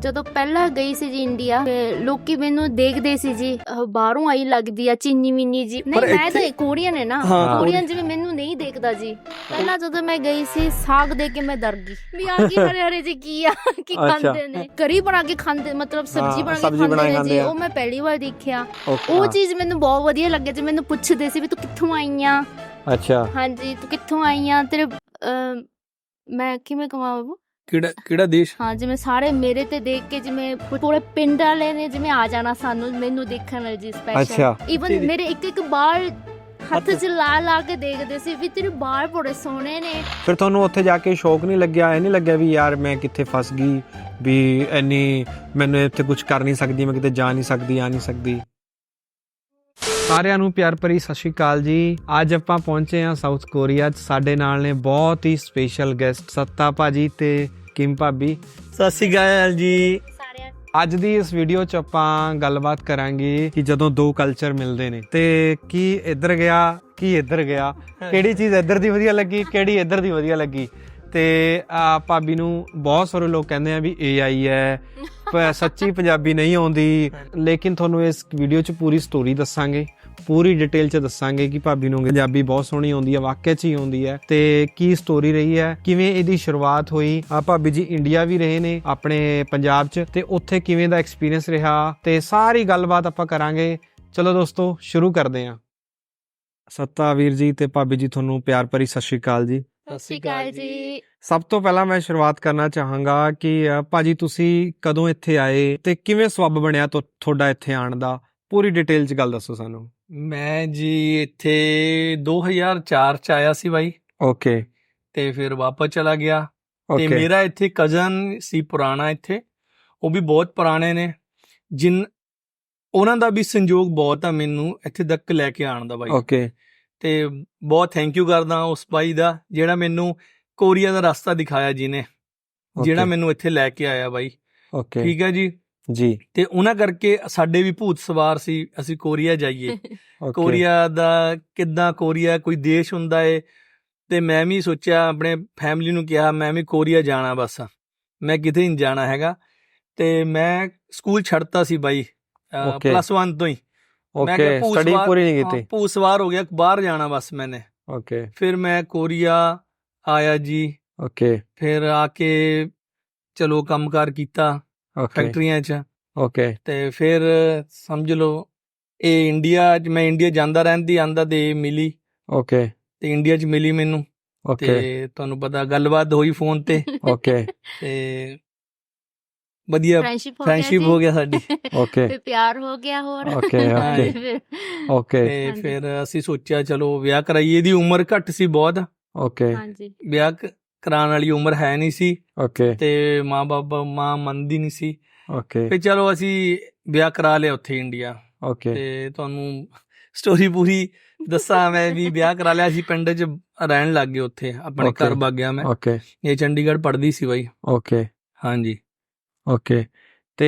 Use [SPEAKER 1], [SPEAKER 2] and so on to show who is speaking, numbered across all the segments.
[SPEAKER 1] ਜਦੋਂ ਪਹਿਲਾਂ ਗਈ ਸੀ ਜੀ ਇੰਡੀਆ ਤੇ ਲੋਕੀ ਮੈਨੂੰ ਦੇਖਦੇ ਸੀ ਜੀ ਬਾਹਰੋਂ ਆਈ ਲੱਗਦੀ ਆ ਚੀਨੀ ਮਿੰਨੀ ਜੀ। ਨਹੀਂ ਮੈਂ ਤਾਂ ਕੋਰੀਅਨ ਹੈ ਨਾ, ਕੋਰੀਅਨ ਜਿਵੇਂ ਮੈਨੂੰ ਨਹੀਂ ਦੇਖਦਾ ਜੀ। ਪਹਿਲਾਂ ਜਦੋਂ ਮੈਂ ਗਈ ਸੀ ਸਾਗ ਦੇ ਕੇ ਮੈਂ ਡਰ ਗਈ ਵੀ ਆ ਕੀ ਹਰੇ ਹਰੇ ਜੀ ਕੀ ਆ ਕੀ ਖਾਂਦੇ ਨੇ, ਕਰੀ ਬਣਾ ਕੇ ਖਾਂਦੇ ਮਤਲਬ ਸਬਜ਼ੀ ਬਣਾ ਕੇ ਖਾਂਦੇ ਨੇ ਜੀ। ਉਹ ਮੈਂ ਪਹਿਲੀ ਵਾਰ ਦੇਖਿਆ। ਉਹ ਚੀਜ਼ ਮੈਨੂੰ ਬਹੁਤ ਵਧੀਆ ਲੱਗਿਆ ਜੀ। ਮੈਨੂੰ ਪੁੱਛਦੇ ਸੀ ਵੀ ਤੂੰ ਕਿੱਥੋਂ ਆਈ ਆ। ਅੱਛਾ ਹਾਂਜੀ ਤੂੰ ਕਿੱਥੋਂ ਆਈ ਆ, ਤੇਰੇ ਮੈਂ ਕਿਵੇਂ ਕਹਾਂ ਬਾਬੂ
[SPEAKER 2] ਕਿਹੜਾ ਦੇਸ਼।
[SPEAKER 1] ਹਾਂ ਜਿਵੇਂ ਸਾਰੇ ਮੇਰੇ ਤੇ ਦੇਖ ਕੇ ਜਿਵੇਂ ਪੂਰੇ ਪਿੰਡ ਵਾਲੇ ਨੇ ਜਿਵੇਂ ਆ ਜਾਣਾ ਸਾਨੂੰ ਮੈਨੂੰ ਦੇਖਣ ਲਈ ਜੀ ਸਪੈਸ਼ਲ। ਈਵਨ ਮੇਰੇ ਇੱਕ ਬਾਲ ਹੱਥ 'ਚ ਲਾ ਕੇ ਦੇਖਦੇ ਸੀ ਵੀ ਤੇਰੇ ਬਾਲ ਬੜੇ ਸੋਹਣੇ ਨੇ।
[SPEAKER 3] ਫਿਰ ਤੁਹਾਨੂੰ ਉੱਥੇ ਜਾ ਕੇ ਸ਼ੌਕ ਨਹੀਂ ਲੱਗਿਆ, ਇਹ ਨਹੀਂ ਲੱਗਿਆ ਵੀ ਯਾਰ ਮੈਂ ਕਿੱਥੇ ਫਸ ਗਈ, ਵੀ ਇੰਨੀ ਮੈਨੂੰ ਇੱਥੇ ਕੁਝ ਕਰ ਨਹੀਂ ਸਕਦੀ, ਮੈਂ ਕਿਤੇ ਜਾ ਨਹੀਂ ਸਕਦੀ, ਆ ਨਹੀਂ ਸਕਦੀ। ਸਾਰਿਆਂ ਨੂੰ ਪਿਆਰ ਭਰੀ ਸਤਿ ਸ਼੍ਰੀ ਅਕਾਲ ਜੀ। ਅੱਜ ਆਪਾਂ ਪਹੁੰਚੇ ਹਾਂ ਸਾਊਥ ਕੋਰੀਆ 'ਚ। ਸਾਡੇ ਨਾਲ ਨੇ ਬਹੁਤ ਹੀ ਸਪੈਸ਼ਲ ਗੈਸਟ ਸੱਤਾ ਭਾਜੀ ਤੇ ਕਿਮ ਭਾਬੀ।
[SPEAKER 2] ਸਤਿ ਸ਼੍ਰੀ ਅਕਾਲ ਜੀ।
[SPEAKER 3] ਅੱਜ ਦੀ ਇਸ ਵੀਡੀਓ 'ਚ ਆਪਾਂ ਗੱਲਬਾਤ ਕਰਾਂਗੇ ਕਿ ਜਦੋਂ ਦੋ ਕਲਚਰ ਮਿਲਦੇ ਨੇ ਤੇ ਕੀ ਇੱਧਰ ਗਿਆ ਕੀ ਇੱਧਰ ਗਿਆ, ਕਿਹੜੀ ਚੀਜ਼ ਇੱਧਰ ਦੀ ਵਧੀਆ ਲੱਗੀ, ਕਿਹੜੀ ਇੱਧਰ ਦੀ ਵਧੀਆ ਲੱਗੀ। ਤੇ ਭਾਬੀ ਨੂੰ ਬਹੁਤ ਸਾਰੇ ਲੋਕ ਕਹਿੰਦੇ ਆ ਵੀ AI ਹੈ, ਸੱਚੀ ਪੰਜਾਬੀ ਨਹੀਂ ਆਉਂਦੀ। ਲੇਕਿਨ ਤੁਹਾਨੂੰ ਇਸ ਵੀਡੀਓ 'ਚ ਪੂਰੀ ਸਟੋਰੀ ਦੱਸਾਂਗੇ, ਪੂਰੀ ਡਿਟੇਲ 'ਚ ਦੱਸਾਂਗੇ ਕਿ ਭਾਬੀ ਨੂੰ ਪੰਜਾਬੀ ਬਹੁਤ ਸੋਹਣੀ ਆਉਂਦੀ ਹੈ, ਵਾਕਿਆ 'ਚ ਹੀ ਆਉਂਦੀ ਹੈ, ਤੇ ਕੀ ਸਟੋਰੀ ਰਹੀ ਹੈ, ਕਿਵੇਂ ਇਹਦੀ ਸ਼ੁਰੂਆਤ ਹੋਈ। ਭਾਬੀ ਜੀ ਇੰਡੀਆ ਵੀ ਰਹੇ ਨੇ ਆਪਣੇ ਪੰਜਾਬ 'ਚ, ਤੇ ਉੱਥੇ ਕਿਵੇਂ ਦਾ ਐਕਸਪੀਰੀਅੰਸ ਰਿਹਾ, ਤੇ ਸਾਰੀ ਗੱਲਬਾਤ ਆਪਾਂ ਕਰਾਂਗੇ। ਚਲੋ ਦੋਸਤੋ ਸ਼ੁਰੂ ਕਰਦੇ ਹਾਂ। ਸੱਤਾ ਵੀਰ ਜੀ ਤੇ ਭਾਬੀ ਜੀ ਤੁਹਾਨੂੰ ਪਿਆਰ ਭਰੀ ਸਤਿ ਸ਼੍ਰੀ ਅਕਾਲ ਜੀ।
[SPEAKER 1] ਸਤਿ ਸ਼੍ਰੀ ਅਕਾਲ ਜੀ।
[SPEAKER 3] ਸਭ ਤੋਂ ਪਹਿਲਾਂ ਮੈਂ ਸ਼ੁਰੂਆਤ ਕਰਨਾ ਚਾਹਾਂਗਾ ਕਿ ਭਾਜੀ ਤੁਸੀਂ ਕਦੋਂ ਇੱਥੇ ਆਏ ਤੇ ਕਿਵੇਂ ਸਬੱਬ ਬਣਿਆ ਤੁਹਾਡਾ ਇੱਥੇ ਆਉਣ ਦਾ, ਪੂਰੀ ਡਿਟੇਲ 'ਚ ਗੱਲ ਦੱਸੋ ਸਾਨੂੰ।
[SPEAKER 2] ਮੈਂ ਜੀ ਇੱਥੇ 2004 ਚ ਆਇਆ ਸੀ ਬਾਈ।
[SPEAKER 3] ਓਕੇ।
[SPEAKER 2] ਤੇ ਫਿਰ ਵਾਪਸ ਚਲਾ ਗਿਆ। ਤੇ ਮੇਰਾ ਇੱਥੇ ਕਜ਼ਨ ਸੀ ਪੁਰਾਣਾ ਇੱਥੇ, ਉਹ ਵੀ ਬਹੁਤ ਪੁਰਾਣੇ ਨੇ, ਉਹਨਾਂ ਦਾ ਵੀ ਸੰਯੋਗ ਬਹੁਤ ਆ ਮੈਨੂੰ ਇੱਥੇ ਤੱਕ ਲੈ ਕੇ ਆਉਣ ਦਾ ਬਾਈ।
[SPEAKER 3] ਓਕੇ।
[SPEAKER 2] ਤੇ ਬਹੁਤ ਥੈਂਕ ਯੂ ਕਰਦਾ ਉਸ ਬਾਈ ਦਾ ਜਿਹੜਾ ਮੈਨੂੰ ਕੋਰੀਆ ਦਾ ਰਸਤਾ ਦਿਖਾਇਆ, ਜਿਹਨੇ ਜਿਹੜਾ ਮੈਨੂੰ ਇੱਥੇ ਲੈ ਕੇ ਆਇਆ ਬਾਈ।
[SPEAKER 3] ਓਕੇ
[SPEAKER 2] ਠੀਕ ਹੈ ਜੀ ਜੀ। ਤੇ ਉਹਨਾਂ ਕਰਕੇ ਸਾਡੇ ਵੀ ਭੂਤ ਸਵਾਰ ਸੀ ਅਸੀਂ ਕੋਰੀਆ ਜਾਈਏ। ਕੋਰੀਆ ਦਾ ਕਿੱਦਾਂ, ਕੋਰੀਆ ਕੋਈ ਦੇਸ਼ ਹੁੰਦਾ ਏ। ਤੇ ਮੈਂ ਵੀ ਸੋਚਿਆ, ਆਪਣੇ ਫੈਮਿਲੀ ਨੂੰ ਕਿਹਾ ਮੈਂ ਵੀ ਕੋਰੀਆ ਜਾਣਾ, ਬਸ ਮੈਂ ਕਿਤੇ ਨਹੀਂ ਜਾਣਾ ਹੈਗਾ। ਤੇ ਮੈਂ ਸਕੂਲ ਛੱਡਤਾ ਸੀ ਬਾਈ +1 ਤੋਂ ਹੀ। ਮੈਂ ਕਿਹਾ ਭੂਤ ਸਵਾਰ ਹੋ ਗਿਆ, ਬਾਹਰ ਜਾਣਾ ਬਸ ਮੈਨੇ। ਓਕੇ। ਫਿਰ ਮੈਂ ਕੋਰੀਆ ਆਇਆ ਜੀ। ਓਕੇ। ਫਿਰ ਆ ਕੇ ਚਲੋ ਕੰਮਕਾਰ ਕੀਤਾ ਫੈਕਟਰੀਆਂ 'ਚ। ਓਕੇ। ਤੇ ਫਿਰ ਸਮਝ ਲਓ ਇਹ ਮੈਂ ਇੰਡੀਆ ਜਾਂਦਾ ਰਹਿੰਦੀ ਆਂਦਾ ਤੇ ਮਿਲੀ। ਓਕੇ। ਤੇ ਇੰਡੀਆ 'ਚ ਮਿਲੀ ਮੈਨੂੰ। ਤੇ ਤੁਹਾਨੂੰ ਪਤਾ ਗੱਲਬਾਤ ਹੋਈ ਫੋਨ ਤੇ। ਓਕੇ। ਤੇ ਵਧੀਆ ਫਰੈਂਡਸ਼ਿਪ ਹੋ ਗਿਆ ਸਾਡੀ। ਓਕੇ। ਤੇ ਪਿਆਰ ਹੋ ਗਿਆ ਹੋਰ। ਓਕੇ। ਤੇ ਫਿਰ ਅਸੀਂ ਸੋਚਿਆ ਚਲੋ ਵਿਆਹ ਕਰਾਈਏ। ਇਹਦੀ ਉਮਰ ਘੱਟ ਸੀ ਬਹੁਤ। ਓਕੇ। ਵਿਆਹ ਕਰਾਉਣ ਵਾਲੀ ਉਮਰ ਹੈ ਨਹੀਂ ਸੀ। ਓਕੇ। ਤੇ ਮਾਂ ਮੰਨਦੀ ਨਹੀਂ ਸੀ। ਓਕੇ। ਫਿਰ ਚਲੋ ਅਸੀਂ ਵਿਆਹ ਕਰਾ ਲਿਆ ਉੱਥੇ ਇੰਡੀਆ। ਓਕੇ। ਤੇ ਤੁਹਾਨੂੰ ਸਟੋਰੀ ਪੂਰੀ ਦੱਸਾਂ ਮੈਂ ਵੀ ਵਿਆਹ ਕਰਾ ਲਿਆ ਸੀ, ਪਿੰਡ 'ਚ ਰਹਿਣ ਲੱਗ ਗਏ, ਉੱਥੇ ਆਪਣੇ ਘਰ ਵਗ ਗਿਆ ਮੈਂ। ਓਕੇ। ਇਹ ਚੰਡੀਗੜ੍ਹ ਪੜ੍ਹਦੀ ਸੀ ਬਾਈ। ਓਕੇ। ਹਾਂਜੀ। ਓਕੇ। ਤੇ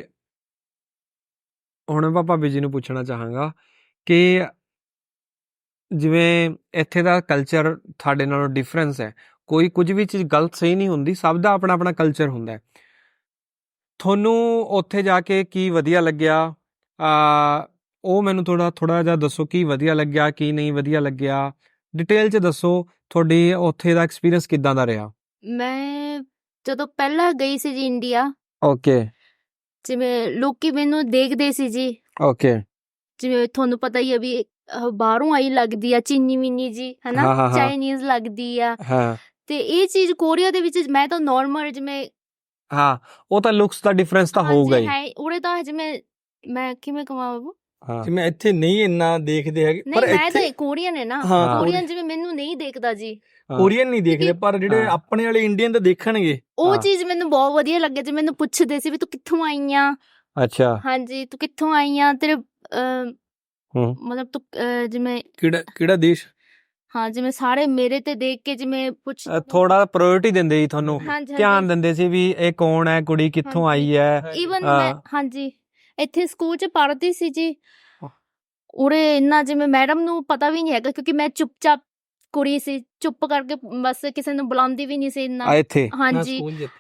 [SPEAKER 2] ਹੁਣ ਮੈਂ ਭਾਬੀ ਜੀ ਨੂੰ ਪੁੱਛਣਾ ਚਾਹਾਂਗਾ ਕਿ ਜਿਵੇਂ ਇੱਥੇ ਦਾ ਕਲਚਰ ਤੁਹਾਡੇ ਨਾਲੋਂ ਡਿਫਰੈਂਸ ਹੈ, ਕੋਈ ਕੁਝ ਵੀ ਚੀਜ਼ ਗਲਤ ਸਹੀ ਨਹੀਂ ਹੁੰਦੀ, ਸਭ ਦਾ ਆਪਣਾ ਆਪਣਾ ਕਲਚਰ ਹੁੰਦਾ ਹੈ। ਤੁਹਾਨੂੰ ਉੱਥੇ ਜਾ ਕੇ ਕੀ ਵਧੀਆ ਲੱਗਿਆ, ਉਹ ਮੈਨੂੰ ਥੋੜਾ ਜਿਹਾ ਦੱਸੋ। ਕੀ ਵਧੀਆ ਲੱਗਿਆ, ਕੀ ਨਹੀਂ ਵਧੀਆ ਲੱਗਿਆ, ਡਿਟੇਲ 'ਚ ਦੱਸੋ। ਤੁਹਾਡੀ ਉੱਥੇ ਦਾ ਐਕਸਪੀਰੀਅੰਸ ਕਿੱਦਾਂ ਦਾ ਰਿਹਾ।
[SPEAKER 1] ਮੈਂ ਜਦੋਂ ਪਹਿਲਾਂ ਗਈ ਸੀ ਜੀ ਇੰਡੀਆ,
[SPEAKER 3] ਓਕੇ,
[SPEAKER 1] ਜਿਵੇਂ ਲੋਕੀ ਮੈਨੂੰ ਦੇਖਦੇ ਸੀ ਜੀ। ਓਕੇ। ਜਿਵੇਂ ਤੁਹਾਨੂੰ ਪਤਾ ਹੀ ਆ ਵੀ ਬਾਹਰੋਂ ਆਈ ਲੱਗਦੀ ਆ ਚੀਨੀ ਮਿੰਨੀ ਜੀ, ਹਨਾ, ਚਾਈਨੀਜ਼ ਲੱਗਦੀ ਆ। ਤੇ ਇਹ ਚੀਜ਼ ਕੋਰੀਆ ਦੇ ਵਿੱਚ ਮੈਂ ਤਾਂ ਨੋਰਮਲ ਜਿਵੇਂ
[SPEAKER 3] ਉਹ ਤਾਂ ਲੁਕਸ ਦਾ ਡਿਫਰੈਂਸ ਤਾਂ ਹੋਊਗਾ ਹੀ।
[SPEAKER 1] ਉਰੇ ਤਾਂ ਜਿਵੇਂ ਮੈਂ ਕਿਵੇਂ ਕਹਾਂ ਬਾਬੂ,
[SPEAKER 2] ਜਿਵੇਂ ਇੱਥੇ ਨਹੀਂ ਇੰਨਾ ਦੇਖਦੇ ਹੈਗੇ,
[SPEAKER 1] ਪਰ ਮੈਂ ਤਾਂ ਕੋਰੀਅਨ ਹੈ ਨਾ, ਕੋਰੀਅਨ ਜਿਵੇਂ ਮੈਨੂੰ ਨਹੀਂ ਦੇਖਦਾ ਜੀ,
[SPEAKER 2] ਕੋਰੀਅਨ ਨਹੀਂ ਦੇਖਦੇ, ਪਰ ਜਿਹੜੇ ਆਪਣੇ ਵਾਲੇ ਇੰਡੀਅਨ ਤਾਂ ਦੇਖਣਗੇ। ਉਹ
[SPEAKER 1] ਚੀਜ਼ ਮੈਨੂੰ ਬਹੁਤ ਵਧੀਆ ਲੱਗਿਆ ਜੀ। ਮੈਨੂੰ ਪੁੱਛਦੇ ਸੀ ਵੀ ਤੂੰ ਕਿੱਥੋਂ ਆਈ ਆ। ਅੱਛਾ। ਹਾਂਜੀ ਤੂੰ ਕਿੱਥੋਂ ਆਈ ਆ, ਤੇਰੇ ਮਤਲਬ ਤੂੰ ਜਿਵੇਂ
[SPEAKER 2] ਕਿਹੜਾ ਦੇਸ਼। ਹਾਂ
[SPEAKER 1] ਜਿਵੇਂ ਸਾਰੇ ਮੇਰੇ ਤੇ ਦੇਖ ਕੇ ਜਿਵੇਂ
[SPEAKER 3] ਥੋੜਾ ਪ੍ਰਾਇੋਰਟੀ ਦਿੰਦੇ ਸੀ ਤੁਹਾਨੂੰ, ਧਿਆਨ ਦਿੰਦੇ ਸੀ ਵੀ ਇਹ ਕੌਣ ਹੈ, ਕੁੜੀ ਕਿੱਥੋਂ ਆਈ ਹੈ।
[SPEAKER 1] ਈਵਨ ਮੈਂ ਹਾਂਜੀ ਇੱਥੇ ਸਕੂਲ 'ਚ ਪੜ੍ਹਦੀ ਸੀ ਜੀ। ਉਰੇ ਇੰਨਾ ਜਿਵੇਂ ਮੈਡਮ ਨੂੰ ਪਤਾ ਵੀ ਨਹੀਂ ਹੈਗਾ, ਕਿਉਂਕਿ ਮੈਂ ਚੁੱਪਚਾਪ ਕੁੜੀ ਸੀ, ਚੁੱਪ ਕਰਕੇ ਬਸ ਕਿਸੇ ਨੂੰ ਬੁਲਾਉਂਦੀ ਵੀ ਨਹੀਂ ਸੀ ਇੰਨਾ। ਹਾਂਜੀ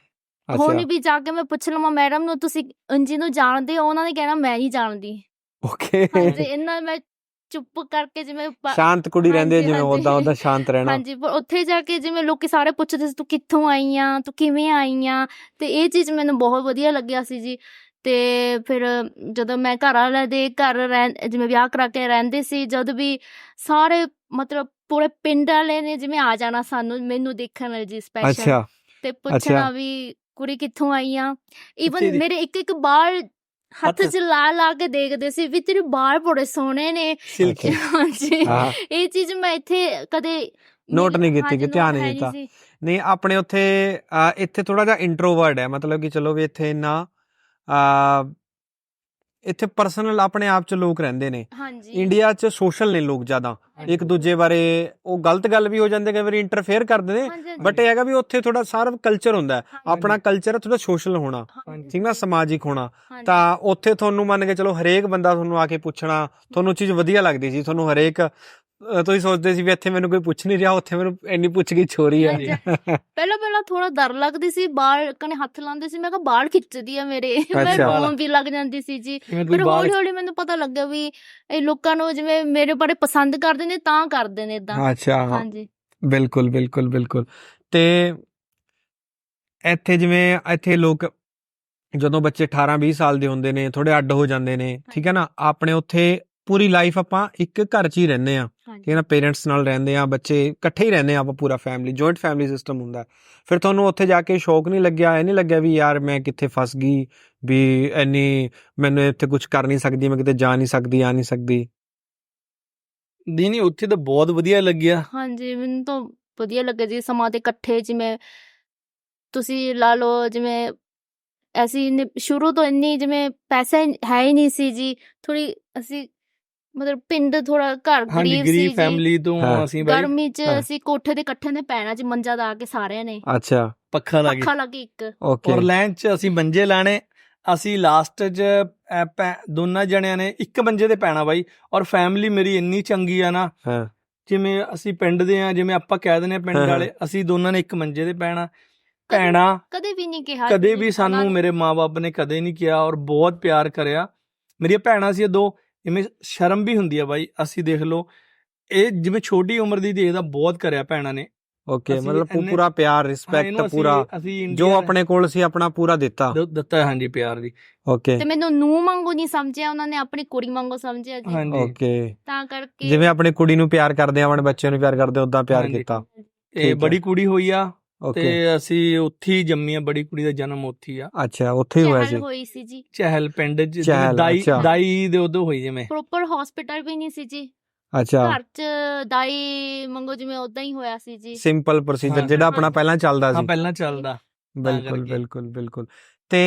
[SPEAKER 1] ਹੁਣ ਵੀ ਜਾ ਕੇ ਮੈਂ ਪੁੱਛ ਲਵਾਂ ਮੈਡਮ ਨੂੰ ਤੁਸੀਂ ਅੰਜੀ ਨੂੰ ਜਾਣਦੇ ਹੋ, ਉਹਨਾਂ ਨੇ ਕਹਿਣਾ ਮੈਂ ਨਹੀਂ ਜਾਣਦੀ।
[SPEAKER 3] ਓਕੇ
[SPEAKER 1] ਹਾਂਜੀ ਇੰਨਾ ਮੈਂ ਚੁੱਪ ਕਰਕੇ ਜਿਵੇਂ
[SPEAKER 3] ਸ਼ਾਂਤ ਕੁੜੀ ਰਹਿੰਦੀ ਹੈ, ਜਿਵੇਂ
[SPEAKER 1] ਹਾਂਜੀ,
[SPEAKER 3] ਉਦਾਂ ਸ਼ਾਂਤ ਰਹਿਣਾ।
[SPEAKER 1] ਹਾਂਜੀ ਪਰ ਉੱਥੇ ਜਾ ਕੇ ਜਿਵੇਂ ਲੋਕੀ ਸਾਰੇ ਪੁੱਛਦੇ ਸੀ ਤੂੰ ਕਿੱਥੋਂ ਆਈ ਆ, ਤੂੰ ਕਿਵੇਂ ਆਈ ਆ, ਤੇ ਇਹ ਚੀਜ਼ ਮੈਨੂੰ ਬਹੁਤ ਵਧੀਆ ਲੱਗਿਆ ਸੀ ਜੀ। ਤੇ ਫਿਰ ਜਦੋਂ ਮੈਂ ਘਰ ਵਾਲਿਆਂ ਦੇ ਘਰ ਜਿਵੇਂ ਵਿਆਹ ਕਰਾ ਕੇ ਰਹਿੰਦੇ ਸੀ, ਜਦ ਵੀ ਸਾਰੇ ਮਤਲਬ ਪੂਰੇ ਪਿੰਡ ਵਾਲੇ ਨੇ ਜਿਵੇਂ ਆ ਜਾਣਾ ਸਾਨੂੰ ਮੈਨੂੰ ਦੇਖਣ ਲਈ ਜੀ ਸਪੈਸ਼ਲ, ਤੇ ਪੁੱਛਣਾ ਵੀ ਕੁੜੀ ਕਿੱਥੋਂ ਆਈ ਆ। ਈਵਨ ਮੇਰੇ ਇੱਕ ਬਾਲ ਹੱਥ 'ਚ ਲਾ ਕੇ ਦੇਖਦੇ ਸੀ ਵੀ ਤੇਰੇ ਬਾਲ ਬੜੇ ਸੋਹਣੇ ਨੇ। ਹਾਂਜੀ ਇਹ ਚੀਜ਼ ਮੈਂ ਇੱਥੇ ਕਦੇ
[SPEAKER 3] ਨੋਟ ਨਹੀਂ ਕੀਤੀ, ਕਿ ਧਿਆਨ ਨਹੀਂ ਦਿੱਤਾ। ਨਹੀਂ ਆਪਣੇ ਉੱਥੇ ਇੱਥੇ ਥੋੜਾ ਜਿਹਾ ਇੰਟਰੋਵਰਟ ਹੈ, ਮਤਲਬ ਕਿ ਚਲੋ ਵੀ ਇੱਥੇ ਇੰਨਾ ਇੱਥੇ ਪਰਸਨਲ ਆਪਣੇ ਆਪ 'ਚ ਲੋਕ ਰਹਿੰਦੇ ਨੇ। ਇੰਡੀਆ 'ਚ ਸੋਸ਼ਲ ਨੇ ਲੋਕ ਜ਼ਿਆਦਾ, ਇੱਕ ਦੂਜੇ ਬਾਰੇ ਉਹ ਗਲਤ ਗੱਲ ਵੀ ਹੋ ਜਾਂਦੀ, ਕਈ ਵਾਰੀ ਇੰਟਰਫੇਅਰ ਕਰਦੇ ਨੇ, ਬਟ ਇਹ ਹੈਗਾ ਵੀ ਉੱਥੇ ਥੋੜਾ ਸਾਰਾ ਕਲਚਰ ਹੁੰਦਾ, ਆਪਣਾ ਕਲਚਰ ਥੋੜਾ ਸੋਸ਼ਲ ਹੋਣਾ, ਠੀਕ ਨਾ, ਸਮਾਜਿਕ ਹੋਣਾ। ਤਾਂ ਉੱਥੇ ਤੁਹਾਨੂੰ ਮੰਨ ਕੇ ਚਲੋ ਹਰੇਕ ਬੰਦਾ ਤੁਹਾਨੂੰ ਆ ਕੇ ਪੁੱਛਣਾ, ਤੁਹਾਨੂੰ ਚੀਜ਼ ਵਧੀਆ ਲੱਗਦੀ ਸੀ, ਤੁਹਾਨੂੰ ਹਰੇਕ ਤੁਸੀਂ ਸੋਚਦੇ ਸੀ ਵੀ ਇੱਥੇ ਮੈਨੂੰ ਕੋਈ ਪੁੱਛ ਨਹੀਂ ਰਿਹਾ, ਉੱਥੇ ਮੈਨੂੰ ਇੰਨੀ ਪੁੱਛ-ਗਿੱਛ ਹੋ ਰਹੀ ਹੈ।
[SPEAKER 1] ਪਹਿਲਾਂ ਥੋੜਾ ਡਰ ਲੱਗਦੀ ਸੀ, ਬਾਲ ਕਨੇ ਹੱਥ ਲਾਉਂਦੇ ਸੀ, ਮੈਂ ਕਿਹਾ ਬਾਲ ਖਿੱਚਦੀ ਆ ਮੇਰੇ, ਮੈਂ ਰੋਣ ਵੀ ਲੱਗ ਜਾਂਦੀ ਸੀ ਜੀ। ਪਰ ਹੌਲੀ-ਹੌਲੀ ਮੈਨੂੰ ਪਤਾ ਲੱਗਿਆ ਵੀ ਇਹ ਲੋਕਾਂ ਨੂੰ ਜਿਵੇਂ ਮੇਰੇ ਬਾਰੇ ਪਸੰਦ ਕਰਦੇ ਨੇ ਤਾਂ ਕਰਦੇ ਨੇ ਏਦਾਂ।
[SPEAKER 3] ਅੱਛਾ ਹਾਂਜੀ ਬਿਲਕੁਲ ਬਿਲਕੁਲ ਬਿਲਕੁਲ। ਤੇ ਇੱਥੇ ਜਿਵੇਂ ਇੱਥੇ ਲੋਕ ਜਦੋਂ ਬੱਚੇ 18-20 ਸਾਲ ਦੇ ਹੁੰਦੇ ਨੇ ਥੋੜੇ ਅੱਡ ਹੋ ਜਾਂਦੇ ਨੇ, ਠੀਕ ਹੈ ਨਾ, ਆਪਣੇ ਉੱਥੇ ਪੂਰੀ ਲਾਈਫ ਆਪਾਂ ਇੱਕ ਘਰ 'ਚ ਹੀ ਰਹਿੰਦੇ ਆ, ਠੀਕ ਹੈ ਨਾ, ਪੇਰੈਂਟਸ ਨਾਲ ਰਹਿੰਦੇ ਆ, ਬੱਚੇ ਇਕੱਠੇ ਹੀ ਰਹਿੰਦੇ ਆ, ਆਪਾਂ ਪੂਰਾ ਫੈਮਿਲੀ ਜੁਆਇੰਟ ਫੈਮਿਲੀ ਸਿਸਟਮ ਹੁੰਦਾ। ਫਿਰ ਤੁਹਾਨੂੰ ਉੱਥੇ ਜਾ ਕੇ ਸ਼ੌਕ ਨਹੀਂ ਲੱਗਿਆ, ਇਹ ਨਹੀਂ ਲੱਗਿਆ ਵੀ ਯਾਰ ਮੈਂ ਕਿੱਥੇ ਫਸ ਗਈ, ਵੀ ਇੰਨੀ ਮੈਨੂੰ ਇੱਥੇ ਕੁਝ ਕਰ ਨਹੀਂ ਸਕਦੀ, ਮੈਂ ਕਿਤੇ ਜਾ ਨਹੀਂ ਸਕਦੀ, ਆ ਨਹੀਂ ਸਕਦੀ?
[SPEAKER 2] ਨਹੀਂ ਉੱਥੇ ਤਾਂ ਬਹੁਤ ਵਧੀਆ ਲੱਗਿਆ।
[SPEAKER 1] ਹਾਂਜੀ ਮੈਨੂੰ ਤਾਂ ਵਧੀਆ ਲੱਗਿਆ ਜੀ, ਸਮਾਂ ਦੇ ਇਕੱਠੇ, ਜਿਵੇਂ ਤੁਸੀਂ ਲਾ ਲਓ ਜਿਵੇਂ ਅਸੀਂ ਸ਼ੁਰੂ ਤੋਂ ਇੰਨੀ ਜਿਵੇਂ ਪੈਸਾ ਹੈ ਹੀ ਨਹੀਂ ਸੀ ਜੀ, ਥੋੜੀ ਅਸੀਂ ਮਤਲਬ ਪਿੰਡ ਥੋੜਾ ਘਰ ਗਰੀਬ ਸੀ ਜੀ,
[SPEAKER 2] ਫੈਮਿਲੀ ਤੋਂ ਅਸੀਂ
[SPEAKER 1] ਗਰਮੀ 'ਚ ਅਸੀਂ ਕੋਠੇ ਦੇ ਇਕੱਠੇ ਨੇ ਪੈਣਾ ਜੀ, ਮੰਜਾ ਲਾ ਕੇ ਸਾਰਿਆਂ ਨੇ,
[SPEAKER 3] ਅੱਛਾ
[SPEAKER 2] ਪੱਖਾ ਲਾ ਕੇ
[SPEAKER 1] ਇੱਕ,
[SPEAKER 2] ਔਰ ਲਾਈਨ 'ਚ ਅਸੀਂ ਮੰਜੇ ਲਾਣੇ, ਅਸੀਂ ਲਾਸਟ 'ਚ ਦੋਨਾਂ ਜਣਿਆਂ ਨੇ ਇੱਕ ਮੰਜੇ ਤੇ ਪੈਣਾ ਬਾਈ। ਔਰ ਫੈਮਿਲੀ ਮੇਰੀ ਇੰਨੀ ਚੰਗੀ ਆ ਨਾ, ਜਿਵੇਂ ਅਸੀਂ ਪਿੰਡ ਦੇ ਆ, ਜਿਵੇਂ ਆਪਾਂ ਕਹਿ ਦਿੰਦੇ ਆ ਪਿੰਡ ਵਾਲੇ, ਅਸੀਂ ਦੋਨਾਂ ਨੇ ਇੱਕ ਮੰਜੇ ਤੇ ਪੈਣਾ। ਭੈਣਾ
[SPEAKER 1] ਕਦੇ ਵੀ ਨਹੀਂ ਕਿਹਾ,
[SPEAKER 2] ਕਦੇ ਵੀ ਸਾਨੂੰ ਮੇਰੇ ਮਾਂ-ਬਾਪ ਨੇ ਕਦੇ ਨਹੀਂ ਕਿਹਾ, ਔਰ ਬਹੁਤ ਪਿਆਰ ਕਰਿਆ। ਮੇਰੀਆਂ ਭੈਣਾਂ ਸੀ ਦੋ, ਜਿਵੇਂ ਸ਼ਰਮ ਵੀ ਹੁੰਦੀ ਆ ਬਾਈ, ਅਸੀਂ ਦੇਖ ਲਓ ਇਹ ਜਿਵੇਂ ਛੋਟੀ ਉਮਰ ਦੀ ਦੇਖਦਾ ਬਹੁਤ ਕਰਿਆ ਭੈਣਾਂ ਨੇ।
[SPEAKER 3] ਓਕੇ ਮਤਲਬ ਪੂਰਾ ਪਿਆਰ, ਰਿਸਪੈਕਟ, ਪੂਰਾ ਜੋ ਆਪਣੇ ਕੋਲ ਸੀ ਆਪਣਾ ਪੂਰਾ ਦਿੱਤਾ।
[SPEAKER 2] ਹਾਂਜੀ ਪਿਆਰ ਦੀ।
[SPEAKER 3] ਓਕੇ ਤੇ
[SPEAKER 1] ਮੈਨੂੰ ਨੂੰਹ ਵਾਂਗੂ ਨਹੀਂ ਸਮਝਿਆ, ਉਹਨਾਂ ਨੇ ਆਪਣੀ ਕੁੜੀ ਵਾਂਗੂ ਸਮਝਿਆ ਜੀ।
[SPEAKER 2] ਹਾਂਜੀ
[SPEAKER 3] ਓਕੇ
[SPEAKER 1] ਤਾਂ ਕਰਕੇ
[SPEAKER 3] ਜਿਵੇਂ ਆਪਣੀ ਕੁੜੀ ਨੂੰ ਪਿਆਰ ਕਰਦੇ ਆ, ਆਪਣੇ ਬੱਚੇ ਨੂੰ ਪਿਆਰ ਕਰਦੇ, ਉਦਾਂ ਪਿਆਰ ਕੀਤਾ।
[SPEAKER 2] ਇਹ ਬੜੀ ਕੁੜੀ ਹੋਈ ਆ ਤੇ ਅਸੀਂ ਉੱਥੇ ਹੀ ਜੰਮੀ ਆ, ਬੜੀ ਕੁੜੀ ਦਾ ਜਨਮ ਉੱਥੇ ਹੀ ਆ।
[SPEAKER 3] ਅੱਛਾ ਉੱਥੇ ਹੀ
[SPEAKER 1] ਹੋਈ ਸੀ ਜੀ,
[SPEAKER 2] ਚਹਿਲ ਪਿੰਡ 'ਚ, ਦਾਈ ਦੇ ਉਦੋਂ ਹੋਈ, ਜਿਵੇਂ
[SPEAKER 1] ਪ੍ਰੋਪਰ ਹਸਪੀਟਲ ਵੀ ਨਹੀਂ ਸੀ ਜੀ।
[SPEAKER 3] ਅੱਛਾ
[SPEAKER 1] ਘਰ 'ਚ ਦਾਈ ਮੰਗੋ ਜਿਵੇਂ ਉਦਾਂ ਹੀ ਹੋਇਆ ਸੀ ਜੀ,
[SPEAKER 3] ਸਿੰਪਲ ਪ੍ਰੋਸੀਜਰ ਜਿਹੜਾ ਆਪਣਾ ਪਹਿਲਾਂ ਚੱਲਦਾ ਸੀ।
[SPEAKER 2] ਪਹਿਲਾਂ ਚੱਲਦਾ।
[SPEAKER 3] ਬਿਲਕੁਲ ਬਿਲਕੁਲ ਬਿਲਕੁਲ। ਤੇ